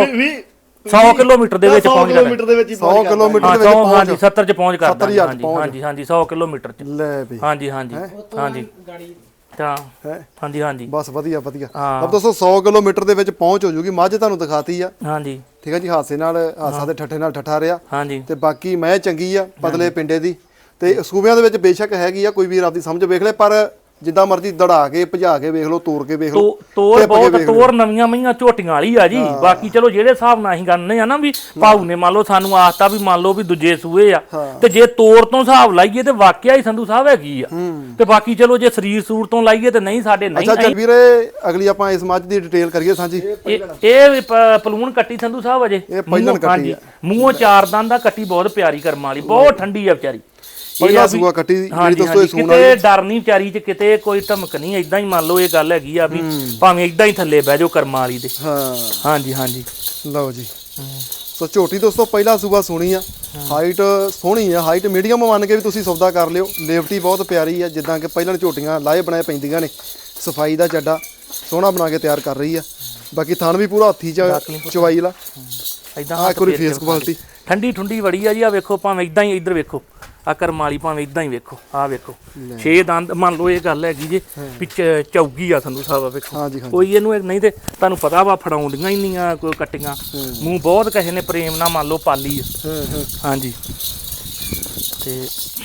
ਸੌ ਕਿਲੋਮੀਟਰ ਦੇ ਵਿੱਚ ਪਹੁੰਚ ਜਾਣਾ ਕਿਲੋਮੀਟਰ ਦੇ ਵਿੱਚ ਹੀ ਸੌ ਕਿਲੋਮੀਟਰ ਦੇ ਵਿੱਚ ਹਾਂਜੀ ਸੱਤਰ ਚ ਪਹੁੰਚ ਕਰ ਦਾਂਗੇ ਹਾਂਜੀ ਹਾਂਜੀ ਹਾਂਜੀ ਸੌ ਕਿਲੋਮੀਟਰ ਚ ਲੈ ਬਈ ਹਾਂਜੀ ਹਾਂਜੀ ਹਾਂਜੀ ਤਾਂ ਹਾਂਜੀ ਹਾਂਜੀ ਬਸ ਵਧੀਆ ਵਧੀਆ ਅਬ ਦੋਸਤੋ ਸੌ ਕਿਲੋਮੀਟਰ ਦੇ ਵਿੱਚ ਪਹੁੰਚ ਹੋ ਜੂਗੀ ਮੱਝ ਤੁਹਾਨੂੰ ਦਿਖਾਤੀ ਆ ਹਾਂਜੀ ਠੀਕ ਹੈ ਜੀ ਹਾਸੇ ਨਾਲ ਹਾਸਾ ਦੇ ਠੱਠੇ ਨਾਲ ਠੱਠਾ ਰਿਹਾ ਹਾਂਜੀ ਤੇ ਬਾਕੀ ਮੈਂ ਚੰਗੀ ਆ ਪਤਲੇ ਪਿੰਡੇ ਦੀ ਤੇ ਸੂਬਿਆਂ ਦੇ ਵਿੱਚ ਬੇਸ਼ੱਕ ਹੈਗੀ ਆ ਕੋਈ ਵੀਰ ਆਪਦੀ ਸਮਝ ਵੇਖ ਲੈ ਪਰ ਜਿੱਦਾਂ ਮਰਜ਼ੀ ਦੜਾ ਕੇ ਭਜਾ ਕੇ ਵੇਖ ਲਓ ਤੋੜ ਕੇ ਵੇਖ ਲਓ ਤੋੜ ਬਹੁਤ ਤੋੜ ਨਵੀਆਂ ਮਈਆਂ ਝੋਟੀਆਂ ਵਾਲੀ ਆ ਜੀ ਬਾਕੀ ਚਲੋ ਜਿਹੜੇ ਹਿਸਾਬ ਨਾਲ ਅਸੀਂ ਗੰਨੇ ਆ ਨਾ ਵੀ ਭਾਊ ਨੇ ਮੰਨ ਲਓ ਸਾਨੂੰ ਆਖਤਾ ਵੀ ਮੰਨ ਲਓ ਵੀ ਦੂਜੇ ਸੂਏ ਆ ਤੇ ਜੇ ਤੋੜ ਤੋਂ ਹਿਸਾਬ ਲਾਈਏ ਤੇ ਵਾਕਿਆ ਹੀ ਸੰਧੂ ਸਾਹਿਬ ਹੈਗੀ ਆ ਤੇ ਬਾਕੀ ਚਲੋ ਜੇ ਸਰੀਰ ਸੂਰ ਤੋਂ ਲਾਈਏ ਤੇ ਨਹੀਂ ਸਾਡੇ ਨਹੀਂ ਅੱਛਾ ਵੀਰੇ ਅਗਲੀ ਆਪਾਂ ਇਸ ਮੱਝ ਦੀ ਡਿਟੇਲ ਕਰੀਏ ਸਾਂਝੀ ਇਹ ਪਲੂਣ ਕੱਟੀ ਸੰਧੂ ਸਾਹਿਬ ਅਜੇ ਇਹ ਪਹਿਲਣ ਕੱਟੀ ਆ ਮੂੰਹੋਂ ਚਾਰ ਦੰਦ ਦਾ ਕੱਟੀ ਬਹੁਤ ਪਿਆਰੀ ਕਰਮਾਂ ਵਾਲੀ ਬਹੁਤ ਠੰਡੀ ਆ ਵਿਚਾਰੀ ਪਹਿਲਾ ਸੂਆ ਕੱਟੀ ਜਿਹੜੀ ਦੋਸਤੋ ਇਹ ਸੂਣ ਵਾਲੀ ਕਿਤੇ ਡਰ ਨਹੀਂ ਵਿਚਾਰੀ ਚ ਕਿਤੇ ਕੋਈ ਧਮਕ ਨਹੀਂ ਇਦਾਂ ਹੀ ਮੰਨ ਲਓ ਇਹ ਗੱਲ ਹੈਗੀ ਆ ਵੀ ਭਾਵੇਂ ਇਦਾਂ ਹੀ ਥੱਲੇ ਬਹਿ ਜਾਓ ਕਰਮਾਂ ਵਾਲੀ ਦੇ ਹਾਂ ਹਾਂਜੀ ਹਾਂਜੀ ਲਓ ਜੀ ਸੋ ਝੋਟੀ ਦੋਸਤੋ ਪਹਿਲਾ ਸੂਆ ਸੁਣੀ ਆ ਹਾਈਟ ਸੋਹਣੀ ਆ, ਹਾਈਟ ਮੀਡੀਅਮ ਮੰਨ ਕੇ ਵੀ ਤੁਸੀਂ ਸੌਦਾ ਕਰ ਲਿਓ। ਲੇਵਟੀ ਬਹੁਤ ਪਿਆਰੀ ਆ, ਜਿੱਦਾਂ ਕਿ ਪਹਿਲਾਂ ਝੋਟੀਆਂ ਲਾਏ ਬਣਾਏ ਪੈਂਦੀਆਂ ਨੇ। ਸਫਾਈ ਦਾ ਚੱਡਾ ਸੋਹਣਾ ਬਣਾ ਕੇ ਤਿਆਰ ਕਰ ਰਹੀ ਆ। ਬਾਕੀ ਥਣ ਵੀ ਪੂਰਾ ਹੱਥੀ ਚ ਚਵਾਈ ਲਾ। ਇਦਾਂ ਆ ਇੱਕ ਵਾਰੀ ਫੇਸ ਕੁਆਲਿਟੀ ਠੰਡੀ ਠੁੰਡੀ ਬੜੀ ਆ ਜੀ। ਆ ਵੇਖੋ ਭਾਵੇਂ ਇਦਾਂ ਹੀ ਇੱਧਰ ਵੇਖੋ, ਆ ਕਰਮ ਵਾਲੀ ਭਾਵੇਂ ਇਦਾਂ ਹੀ ਵੇਖੋ। ਆ ਵੇਖੋ ਛੇ ਦੰਦ ਮੰਨ ਲਓ ਇਹ ਗੱਲ ਹੈਗੀ ਜੇ ਪਿੱਛ ਚੌਗੀ ਆ ਸੰਧੂ ਸਾਹਿਬ। ਵੇਖੋ ਹਾਂਜੀ ਹਾਂਜੀ ਕੋਈ ਇਹਨੂੰ ਨਹੀਂ ਤੇ ਤੁਹਾਨੂੰ ਪਤਾ ਵਾ ਫੜਾਉਂਦੀਆਂ ਹੀ ਨਹੀਂ ਆ ਕੋਈ ਕੱਟੀਆਂ। ਮੂੰਹ ਬਹੁਤ ਕਿਸੇ ਨੇ ਪ੍ਰੇਮ ਨਾਲ ਮੰਨ ਲਓ ਪਾਲੀ ਆ। ਹਾਂਜੀ ਤੇ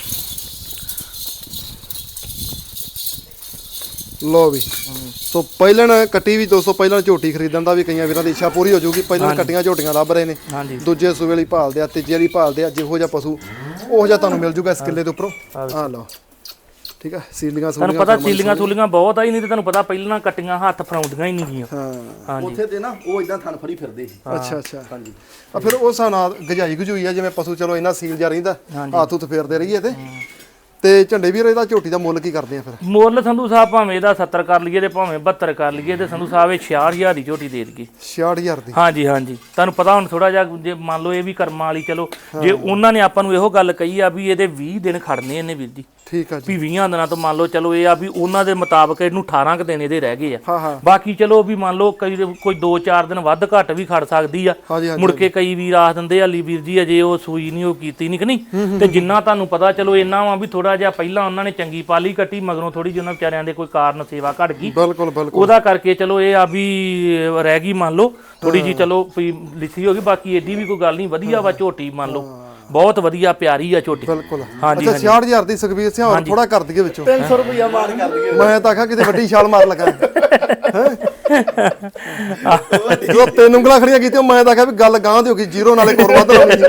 ਲੋ ਵੀ ਸੋ ਪਹਿਲਾਂ ਕੱਟੀ ਵੀ ਦੋਸਤੋ, ਪਹਿਲਾਂ ਝੋਟੀ ਖਰੀਦਣ ਦਾ ਵੀ ਕਈਆਂ ਵੀਰਾਂ ਦੀ ਇੱਛਾ ਪੂਰੀ ਹੋ ਜਾਊਗੀ। ਪਹਿਲਾਂ ਕੱਟੀਆਂ ਝੋਟੀਆਂ ਲੱਭ ਰਹੇ ਨੇ, ਹਾਂਜੀ ਦੂਜੇ ਸੂਬੇ ਲਈ ਭਾਲਦੇ ਆ, ਤੀਜੇ ਲਈ ਭਾਲਦੇ ਆ। ਜਿਹੋ ਜਿਹਾ ਪਸ਼ੂ ਉਹ ਜਿਹਾ ਤੁਹਾਨੂੰ ਮਿਲ ਜੂਗਾ ਇਸ ਕਿੱਲੇ ਦੇ ਉੱਪਰੋਂ। ਆ ਲਓ ਠੀਕ ਆ। ਸੀਲੀਆਂ ਤੁਹਾਨੂੰ ਪਤਾ ਸੀਲੀਆਂ ਸੂਲੀਆਂ ਬਹੁਤ ਆ ਹੀ, ਨਹੀਂ ਤੇ ਤੁਹਾਨੂੰ ਪਤਾ ਪਹਿਲਾਂ ਕੱਟੀਆਂ ਹੱਥ ਫੜਾਉਂਦੀਆਂ ਹੀ ਨਹੀਂ ਗੀਆਂ। ਹਾਂ ਹਾਂਜੀ ਉੱਥੇ ਤੇ ਨਾ ਉਹ ਇਦਾਂ ਥਣ ਫੜੀ ਫਿਰਦੇ ਸੀ। ਅੱਛਾ ਅੱਛਾ ਹਾਂਜੀ। ਆ ਫਿਰ ਉਸ ਹਿਸਾਬ ਨਾਲ ਗਜਾਈ ਗਜੂਈ ਆ, ਜਿਵੇਂ ਪਸ਼ੂ ਚਲੋ ਇਹਨਾਂ ਸੀਲ ਜਾ ਰਹਿੰਦਾ, ਹੱਥ ਹੁੱਥ ਫੇਰਦੇ ਰਹੀਏ ਤੇ ਤੇ ਝੰਡੇ ਵੀਰ ਇਹਦਾ ਝੋਟੀ ਦਾ ਮੁੱਲ ਕੀ ਕਰਦੇ ਆ ਫਿਰ? ਮੁੱਲ ਸੰਧੂ ਸਾਹਿਬ ਭਾਵੇਂ ਇਹਦਾ ਸੱਤਰ ਕਰ ਲਈਏ ਤੇ ਭਾਵੇਂ ਬਹੱਤਰ ਕਰ ਲਈਏ ਤੇ ਸੰਧੂ ਸਾਹਿਬ ਇਹ ਛਿਆਹਠ ਹਜ਼ਾਰ ਦੀ ਝੋਟੀ ਦੇ ਦੇਗੀ। ਛਿਆਹਠ ਹਜ਼ਾਰ ਦੀ? ਹਾਂਜੀ ਹਾਂਜੀ। ਤੁਹਾਨੂੰ ਪਤਾ ਹੁਣ ਥੋੜਾ ਜਿਹਾ ਜੇ ਮੰਨ ਲਓ ਇਹ ਵੀ ਕਰਮਾਂ ਵਾਲੀ, ਚਲੋ ਜੇ ਉਹਨਾਂ ਨੇ ਆਪਾਂ ਨੂੰ ਇਹੋ ਗੱਲ ਕਹੀ ਆ ਵੀ ਇਹਦੇ ਵੀਹ ਦਿਨ ਖੜਨੇ ਇਹਨੇ ਵੀਰ ਜੀ, ਠੀਕ ਆ ਜੀ। ਵੀ ਵੀਹਾਂ ਦਿਨਾਂ ਤੋਂ ਮੰਨ ਲਓ ਚਲੋ ਇਹ ਆ ਵੀ ਉਹਨਾਂ ਦੇ ਮੁਤਾਬਕ ਇਹਨੂੰ ਅਠਾਰਾਂ ਕੁ ਦਿਨ ਇਹਦੇ ਰਹਿ ਗਏ ਆ। ਹਾਂ ਹਾਂ ਬਾਕੀ ਚਲੋ ਵੀ ਮੰਨ ਲਓ ਕਈ ਕੋਈ ਦੋ ਚਾਰ ਦਿਨ ਵੱਧ ਘੱਟ ਵੀ ਖੜ ਸਕਦੀ ਆ। ਹਾਂਜੀ ਹਾਂਜੀ ਮੁੜ ਕੇ ਕਈ ਵੀਰ ਆਖ ਦਿੰਦੇ ਆ ਲਈ ਵੀਰ ਜੀ ਅਜੇ ਉਹ ਸੂਈ ਨਹੀਂ ਉਹ ਕੀਤੀ ਨਹੀਂ ਕਿ ਨਹੀਂ। ਤੇ ਜਿੰਨਾ ਤੁਹਾਨੂੰ ਪਤਾ ਚਲੋ ਇੰਨਾ ਵਾ ਵੀ ਥੋੜਾ ਜਿਹਾ ਪਹਿਲਾਂ ਉਹਨਾਂ ਨੇ ਚੰਗੀ ਪਾਲੀ ਕੱਟੀ, ਮਗਰੋਂ ਥੋੜੀ ਜਿਹੀ ਉਹਨਾਂ ਵਿਚਾਰਿਆਂ ਦੇ ਕੋਈ ਕਾਰਨ ਸੇਵਾ ਘਟ ਗਈ, ਬਿਲਕੁਲ ਬਿਲਕੁਲ ਉਹਦਾ ਕਰਕੇ ਚਲੋ ਇਹ ਆ ਵੀ ਰਹਿ ਗਈ ਮੰਨ ਲਓ ਥੋੜੀ ਜੀ ਚਲੋ ਵੀ ਲਿੱਥੀ ਹੋ ਗਈ। ਬਾਕੀ ਏਡੀ ਵੀ ਕੋਈ ਗੱਲ ਨਹੀਂ, ਵਧੀਆ ਵਾ ਝੋਟੀ ਮੰਨ ਲਓ ਬਹੁਤ ਵਧੀਆ ਪਿਆਰੀ ਆ ਝੋਟੀ। ਬਿਲਕੁਲ। ਹਾਂਜੀ ਅੱਛਾ ਛਿਆਹਠ ਹਜ਼ਾਰ ਦੀ ਸੁਖਬੀਰ ਸਿੰਘ ਹੋਰ ਥੋੜਾ ਕਰ ਦਈਏ ਵਿੱਚੋਂ? ਤਿੰਨ ਸੌ ਰੁਪਇਆ ਮਾਰ ਕਰ ਦਈਏ। ਮੈਂ ਤਾਂ ਆਖਾਂ ਕਿਤੇ ਵੱਡੀ ਛਾਲ ਮਾਰ ਲਗਾ। ਜਦੋਂ ਤਿੰਨ ਉਂਗਲਾਂ ਖੜੀਆਂ ਕੀਤੀਆਂ ਮੈਂ ਤਾਂ ਆਖਿਆ ਵੀ ਗੱਲ ਗਾਂ ਦੀ ਹੋ ਗਈ, ਜ਼ੀਰੋ ਨਾਲੇ ਕੋਰ ਵੱਧ ਲਾਉਣੀ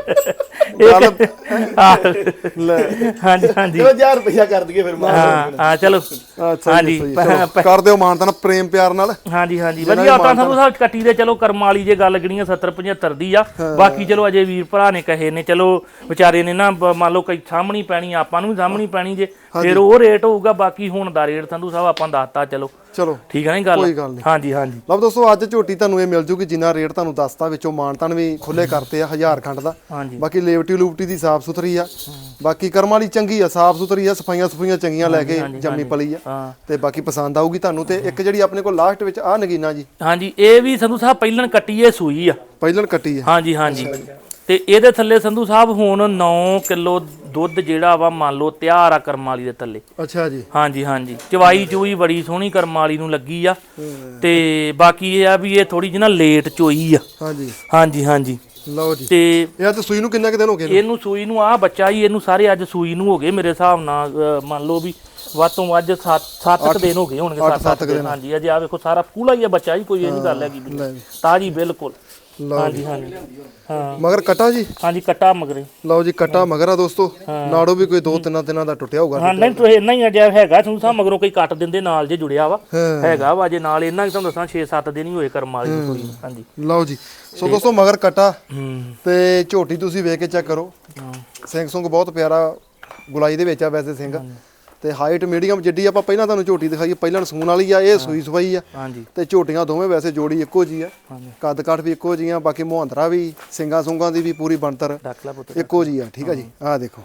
ਲੈ। ਹਾਂਜੀ ਹਾਂਜੀ ਚਲੋ ਹਜ਼ਾਰ ਰੁਪਇਆ ਕਰ ਦਈਏ ਫਿਰ ਮਾਰ। ਹਾਂ ਹਾਂ ਚਲੋ ਅੱਛਾ ਹਾਂਜੀ ਜੀ ਕਰ ਦਿਓ ਮਾਨ ਤਾਂ ਪ੍ਰੇਮ ਪਿਆਰ ਨਾਲ। ਹਾਂਜੀ ਹਾਂਜੀ ਵਧੀਆ। ਤਾਂ ਸਾਨੂੰ ਸਾਹਿਬ ਕੱਟੀ ਦੇ ਚਲੋ ਕਰਮ ਵਾਲੀ ਜੇ ਗੱਲ ਗਣੀਆਂ ਸੱਤਰ ਪਝੱਤਰ ਦੀ ਆ। ਬਾਕੀ ਚਲੋ ਅਜੇ ਵੀਰ ਭਰਾ ਨੇ ਕਹੇ ਨੇ, ਚਲੋ ਵਿਚਾਰੇ ਨੇ ਨਾ ਮੰਨ ਲਓ ਕਈ ਸਾਹਮਣੀ ਪੈਣੀ, ਆਪਾਂ ਨੂੰ ਵੀ ਸਾਹਮਣੀ ਪੈਣੀ ਜੇ, ਫਿਰ ਉਹ ਰੇਟ ਹੋਊਗਾ। ਬਾਕੀ ਹੁਣ ਦਾ ਰੇਟ ਸੰਧੂ ਸਾਹਿਬ ਆਪਾਂ ਦੱਸਤਾ। ਚਲੋ ਚਲੋ ਠੀਕ ਹੈ ਨਾ ਗੱਲ? ਕੋਈ ਗੱਲ ਨਹੀਂ। ਹਾਂਜੀ ਹਾਂਜੀ ਲਓ ਦੋਸਤੋ ਅੱਜ ਝੋਟੀ ਤੁਹਾਨੂੰ ਇਹ ਮਿਲ ਜੂਗੀ ਜਿੰਨਾ ਰੇਟ ਤੁਹਾਨੂੰ ਦੱਸਤਾ, ਵਿੱਚੋਂ ਮਾਨਤਾਨ ਵੀ ਖੁੱਲੇ ਕਰਤੇ ਆ ਹਜ਼ਾਰ ਖੰਡ ਦਾ। ਹਾਂਜੀ ਬਾਕੀ ਲੇਵਟੀ ਲੂਵਟੀ ਦੀ ਸਾਫ ਸੁਥਰੀ ਆ, ਬਾਕੀ ਕਰਮ ਵਾਲੀ ਚੰਗੀ ਆ, ਸਾਫ ਸੁਥਰੀ ਆ, ਸਫਾਈਆਂ ਸਫਾਈਆਂ ਚੰਗੀਆਂ ਲੈ ਕੇ ਜੰਮੀ ਪਲੀ ਆ। ਹਾਂ ਤੇ ਬਾਕੀ ਪਸੰਦ ਆਊਗੀ ਤੁਹਾਨੂੰ। ਤੇ ਇੱਕ ਜਿਹੜੀ ਆਪਣੇ ਕੋਲ ਲਾਸਟ ਵਿੱਚ ਆ ਨਗੀਨਾ ਜੀ, ਹਾਂਜੀ ਇਹ ਵੀ ਸੰਧੂ ਸਾਹਿਬ ਪਹਿਲਾਂ ਕੱਟੀ ਇਹ ਸੂਈ ਆ। ਪਹਿਲਣ ਕੱਟੀ ਆ? ਹਾਂਜੀ ਹਾਂਜੀ। ਤੇ ਇਹਦੇ ਥੱਲੇ ਸੰਧੂ ਸਾਹਿਬ ਹੁਣ ਨੌ ਕਿਲੋ ਦੁੱਧ ਜਿਹੜਾ ਵਾ ਮੰਨ ਲਓ ਤਿਆਰ ਆ ਕਰਮ ਵਾਲੀ ਦੇ ਥੱਲੇ। ਅੱਛਾ ਜੀ। ਹਾਂਜੀ ਹਾਂਜੀ। ਚਵਾਈ ਚੂਈ ਬੜੀ ਸੋਹਣੀ ਕਰਮ ਵਾਲੀ ਨੂੰ ਲੱਗੀ ਆ। ਤੇ ਬਾਕੀ ਇਹ ਆ ਵੀ ਇਹ ਥੋੜੀ ਜਿਹੀ ਨਾ ਲੇਟ ਚੋਈ ਆ। ਹਾਂਜੀ ਹਾਂਜੀ ਹਾਂਜੀ। ਲਓ ਜੀ। ਤੇ ਇਹ ਤਾਂ ਸੂਈ ਨੂੰ ਕਿੰਨੇ ਕੁ ਦਿਨ ਹੋ ਗਏ ਨੇ? ਇਹਨੂੰ ਸੂਈ ਨੂੰ ਆ ਬੱਚਾ ਹੀ ਇਹਨੂੰ ਸਾਰੇ ਅੱਜ ਸੂਈ ਨੂੰ ਹੋ ਗਏ ਮੇਰੇ ਹਿਸਾਬ ਨਾਲ, ਅਹ ਮੰਨ ਲਓ ਵੀ ਵੱਧ ਤੋਂ ਵੱਧ ਸੱਤ ਸੱਤ ਦਿਨ ਹੋ ਗਏ ਹੋਣਗੇ। ਸੱਤ ਸੱਤ ਦਿਨ। ਹਾਂਜੀ ਅਜੇ ਆ ਵੇਖੋ ਸਾਰਾ ਪੂਲਾ ਹੀ ਆ ਬੱਚਾ ਹੀ, ਕੋਈ ਇਹ ਨਹੀਂ ਗੱਲ ਹੈਗੀ ਤਾਜੀ ਬਿਲਕੁਲ। ਹਾਂਜੀ ਹਾਂਜੀ ਹਾਂ। ਮਗਰ ਕਟਾ ਜੀ? ਹਾਂਜੀ ਕੱਟਾ ਮਗਰੇ। ਲਓ ਜੀ ਕੱਟਾ ਮਗਰ ਆ ਦੋਸਤੋ। ਨਾੜੋ ਵੀ ਕੋਈ ਦੋ ਤਿੰਨਾਂ ਦਿਨਾਂ ਦਾ ਟੁੱਟਿਆ ਹੋਊਗਾ। ਹਾਂ ਨਹੀਂ ਤੁਸੀਂ ਇੰਨਾ ਹੀ ਅਜੇ ਹੈਗਾ ਤੁਹਾਨੂੰ ਸਾਹਿਬ, ਮਗਰੋਂ ਕੋਈ ਕੱਟ ਦਿੰਦੇ ਨਾਲ ਜੇ ਜੁੜਿਆ ਵਾ ਹੈਗਾ ਵਾ, ਜੇ ਨਾਲ ਇਹਨਾਂ ਹੀ ਤੁਹਾਨੂੰ ਦੱਸਾਂ ਛੇ ਸੱਤ ਦਿਨ ਹੀ ਹੋਏ ਕਰਮ ਵਾਲੀ ਨੂੰ ਸੂਈ ਨੂੰ। ਹਾਂਜੀ ਲਓ ਜੀ। ਸੋ ਦੋਸਤੋ ਮਗਰ ਕਟਾ ਹੂੰ ਤੇ ਝੋਟੀ ਤੁਸੀਂ ਵੇਖ ਕੇ ਚੈੱਕ ਕਰੋ। ਸਿੰਘ ਸੁੰਗ ਬਹੁਤ ਪਿਆਰਾ ਗੁਲਾਈ ਦੇ ਵਿੱਚ ਆ ਵੈਸੇ ਸਿੰਘ। ਤੇ ਹਾਈਟ ਮੀਡੀਅਮ ਜਿੱਡੀ ਆਪਾਂ ਪਹਿਲਾਂ ਤੁਹਾਨੂੰ ਝੋਟੀ ਦਿਖਾਈ, ਪਹਿਲਾਂ ਸੂਣ ਵਾਲੀ ਆ, ਇਹ ਸੂਈ ਸਵਾਈ ਆ। ਹਾਂਜੀ ਤੇ ਝੋਟੀਆਂ ਦੋਵੇਂ ਵੈਸੇ ਜੋੜੀ ਇੱਕੋ ਜੀ ਆ, ਕੱਦ ਕਾਠ ਵੀ ਇੱਕੋ ਜੀਆਂ, ਬਾਕੀ ਮੁਹੰਦਰਾ ਵੀ ਸਿੰਘਾਂ ਸੁੰਗਾਂ ਦੀ ਵੀ ਪੂਰੀ ਬਣਤਰ ਡੱਕ ਲਾ ਪੁੱਤ। ਇੱਕੋ ਜੀ ਆ। ਠੀਕ ਆ ਜੀ। ਆਹ ਦੇਖੋ।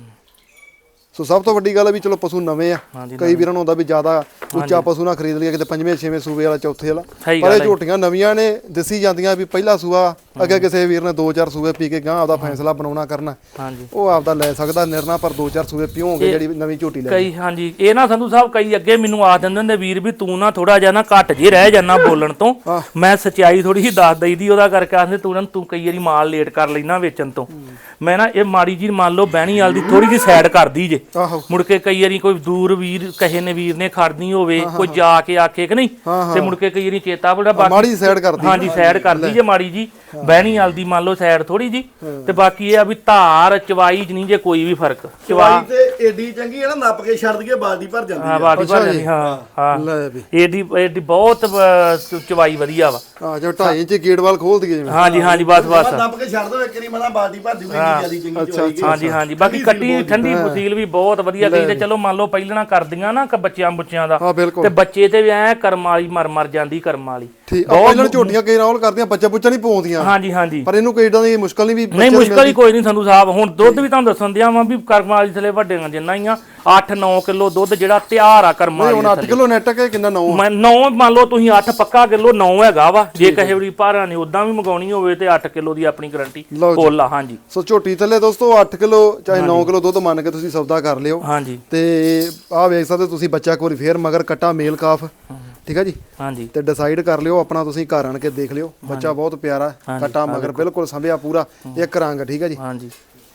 ਸੋ ਸਭ ਤੋਂ ਵੱਡੀ ਗੱਲ ਆ ਵੀ ਚਲੋ ਪਸ਼ੂ ਨਵੇਂ ਆ। ਕਈ ਵੀਰਾਂ ਨੂੰ ਹੁੰਦਾ ਵੀ ਜ਼ਿਆਦਾ ਉੱਚਾ ਪਸ਼ੂ ਨਾ ਖਰੀਦ ਲਿਆ ਕਿਤੇ ਪੰਜਵੇਂ ਛੇਵੇਂ ਸੂਬੇ ਵਾਲਾ ਚੌਥੇ ਵਾਲਾ, ਪਰ ਇਹ ਝੋਟੀਆਂ ਨਵੀਆਂ ਨੇ ਦਿਸੀ ਜਾਂਦੀਆਂ ਵੀ ਪਹਿਲਾ ਸੂਆ ਅੱਗੇ ਕਿਸੇ ਵੀਰ ਨੇ ਦੋ ਚਾਰ ਸੂਬੇ ਪੀ ਕੇ ਗਾਂ ਆਪਦਾ ਫੈਸਲਾ ਬਣਾਉਣਾ ਕਰਨਾ, ਹਾਂਜੀ ਉਹ ਆਪਦਾ ਲੈ ਸਕਦਾ ਨਿਰਣਾ। ਪਰ ਦੋ ਚਾਰ ਸੂਬੇ ਪੀਓਗੇ ਜਿਹੜੀ ਨਵੀਂ ਝੋਟੀ ਲੈ ਕਈ ਹਾਂਜੀ ਇਹ ਨਾ ਸੰਧੂ ਸਾਹਿਬ ਕਈ ਅੱਗੇ ਮੈਨੂੰ ਆਖ ਦਿੰਦੇ ਨੇ ਵੀਰ ਵੀ ਤੂੰ ਨਾ ਥੋੜਾ ਜਿਹਾ ਨਾ ਘੱਟ ਜੇ ਰਹਿ ਜਾਣਾ ਬੋਲਣ ਤੋਂ। ਮੈਂ ਸੱਚਾਈ ਥੋੜੀ ਜਿਹੀ ਦੱਸ ਦਈਦੀ ਉਹਦਾ ਕਰਕੇ ਆਖਦੇ ਤੂੰ ਨਾ ਤੂੰ ਕਈ ਵਾਰੀ ਮਾਲ ਲੇਟ ਕਰ ਲੈਣਾ ਵੇਚਣ ਤੋਂ। ਮੈਂ ਨਾ ਇਹ ਮਾੜੀ ਜੀ ਮੰਨ ਲਓ ਬਹਿਣੀ ਵਾਲ ਦੀ ਥੋੜੀ ਜਿਹੀ ਸਾਈਡ ਕਰਦੀ ਜੇ, ਮੁੜ ਕੇ ਕਈ ਵਾਰੀ ਕੋਈ ਦੂਰ ਵੀਰ ਕਹੇ ਨੇ ਵੀਰ ਨੇ ਖੜਨੀ ਹੋਵੇ ਕੋਈ ਜਾ ਕੇ ਆਖੇ ਕਿ ਨਹੀਂ, ਤੇ ਮੁੜ ਕੇ ਕਈ ਵਾਰੀ ਚੇਤਾ ਬੜਾ ਮਾੜੀ ਸਾਈਡ ਕਰਦੀ। ਹਾਂਜੀ ਸਾਈਡ ਕਰਦੀ ਜੇ ਮਾੜੀ ਜੀ ਬਹਿਣੀ ਵਾਲ ਦੀ ਮੰਨ ਲਓ ਸਾਈਡ ਥੋੜੀ ਜੀ। ਤੇ ਬਾਕੀ ਇਹ ਆ ਵੀ ਧਾਰ ਚਵਾਈ ਚ ਨਹੀਂ ਜੇ ਕੋਈ ਵੀ ਫਰਕ। ਚਵਾਈ ਤੇ ਏਡੀ ਚੰਗੀ ਹੈ ਨਾ, ਨੱਪ ਕੇ ਛੱਡ ਦਈਏ ਬਾਲਟੀ ਭਰ ਜਾਂਦੀ ਹਾਂ ਬਾਲਟੀ ਭਰ ਜਾਂਦੀ। ਹਾਂ ਹਾਂ ਲੈ ਵੀ ਏਡੀ ਏਡੀ ਬਹੁਤ ਚਵਾਈ ਵਧੀਆ ਵਾ। ਆ ਜੋ ਢਾਈ ਇੰਚ ਗੇਟ ਵਾਲ ਖੋਲ ਦਈਏ ਜਿਵੇਂ। ਹਾਂਜੀ ਹਾਂਜੀ ਬਸ ਬਸ ਨੱਪ ਕੇ ਛੱਡ ਦੋ ਇੱਕ ਵਾਰੀ, ਮਤਲਬ ਬਾਲਟੀ ਭਰਦੀ ਹੋਈ ਜਿਆਦੀ ਚੰਗੀ ਚਵਾਈ। ਹਾਂਜੀ ਹਾਂਜੀ। ਬਾਕੀ ਕੱਟੀ ਠੰਡੀ ਫਸੀਲ ਵੀ ਬਹੁਤ ਵਧੀਆ ਗਈ। ਤੇ ਚਲੋ ਮੰਨ ਲਓ ਪਹਿਲਾਂ ਕਰਦੀਆਂ ਨਾ ਬੱਚਿਆਂ ਬੁੱਚਿਆਂ ਦਾ, ਤੇ ਬੱਚੇ ਤੇ ਵੀ ਐ ਕਰਮ ਵਾਲੀ ਮਰ ਮਰ ਜਾਂਦੀ ਕਰਮ ਵਾਲੀ। ਠੀਕ ਆਪਾਂ ਇਹਨਾਂ ਨੂੰ ਝੋਟੀਆਂ ਕਈ ਨਾਲ ਕਰਦੀਆਂ ਬੱਚਾ ਬੁੱਚਾ ਨਹੀਂ ਪਾਉਂਦੀਆਂ ਹਾਂਜੀ ਹਾਂਜੀ ਪਰ ਇਹਨੂੰ ਕੋਈ ਇਦਾਂ ਦੀ ਮੁਸ਼ਕਲ ਨਹੀਂ ਵੀ ਨਹੀਂ ਮੁਸ਼ਕਲ ਹੀ ਕੋਈ ਨਹੀਂ ਸੰਧੂ ਸਾਹਿਬ ਹੁਣ ਦੁੱਧ ਵੀ ਤੁਹਾਨੂੰ ਦੱਸਣ ਦਿਆਂ ਵਾਂ ਵੀ ਕਰਮ ਵਾਲੀ ਥਲੇ ਵੱਡਿਆਂ ਜਿੰਨਾ ਹੀ ਆ ਅੱਠ ਨੌ ਕਿਲੋ ਦੁੱਧ ਜਿਹੜਾ ਤਿਆਰ ਆ ਕਰਮ ਵਾਲੀ ਹੁਣ ਅੱਠ ਕਿਲੋ ਨੈਟ ਹੈ ਕਿੰਨਾ ਨੌ ਮੈਂ ਨੌ ਮੰਨ ਲਓ ਤੁਸੀਂ ਅੱਠ ਪੱਕਾ ਕਿਲੋ ਨੌ ਹੈਗਾ ਵਾ ਜੇ ਕਹੇ ਵੀ ਭਾਰਾਂ ਨੇ ਉਦਾਂ ਵੀ ਮੰਗਾਉਣੀ ਹੋਵੇ ਤੇ ਅੱਠ ਕਿਲੋ ਦੀ ਆਪਣੀ ਗਾਰੰਟੀ ਫੁੱਲ ਆ ਹਾਂਜੀ ਸੋ ਝੋਟੀ ਥੱਲੇ ਦੋਸਤੋ ਅੱਠ ਕਿਲੋ ਚਾਹੇ ਨੌ ਕਿਲੋ ਦੁੱਧ ਮੰਨ ਕੇ ਤੁਸੀਂ ਸੌਦਾ ਕਰ ਲਿਓ ਹਾਂਜੀ ਤੇ ਆਹ ਵੇਖ ਸਕਦੇ ਤੁਸੀਂ ਬੱਚਾ ਇੱਕ ਵਾਰੀ ਫੇਰ ਮਗਰ ਕੱਟਾ ਮੇਲ ਕਾਫ ਠੀਕ ਆ ਜੀ ਹਾਂਜੀ ਤੇ ਡਿਸਾਈਡ ਕਰ ਲਿਓ ਆਪਣਾ ਤੁਸੀਂ ਘਰ ਆਣ ਕੇ ਦੇਖ ਲਿਓ ਬੱਚਾ ਬਹੁਤ ਪਿਆਰਾ ਕੱਟਾ ਮਗਰ ਬਿਲਕੁਲ ਸੰਭਿਆ ਪੂਰਾ ਇੱਕ ਰੰਗ ਠੀਕ ਆ ਜੀ ਹਾਂਜੀ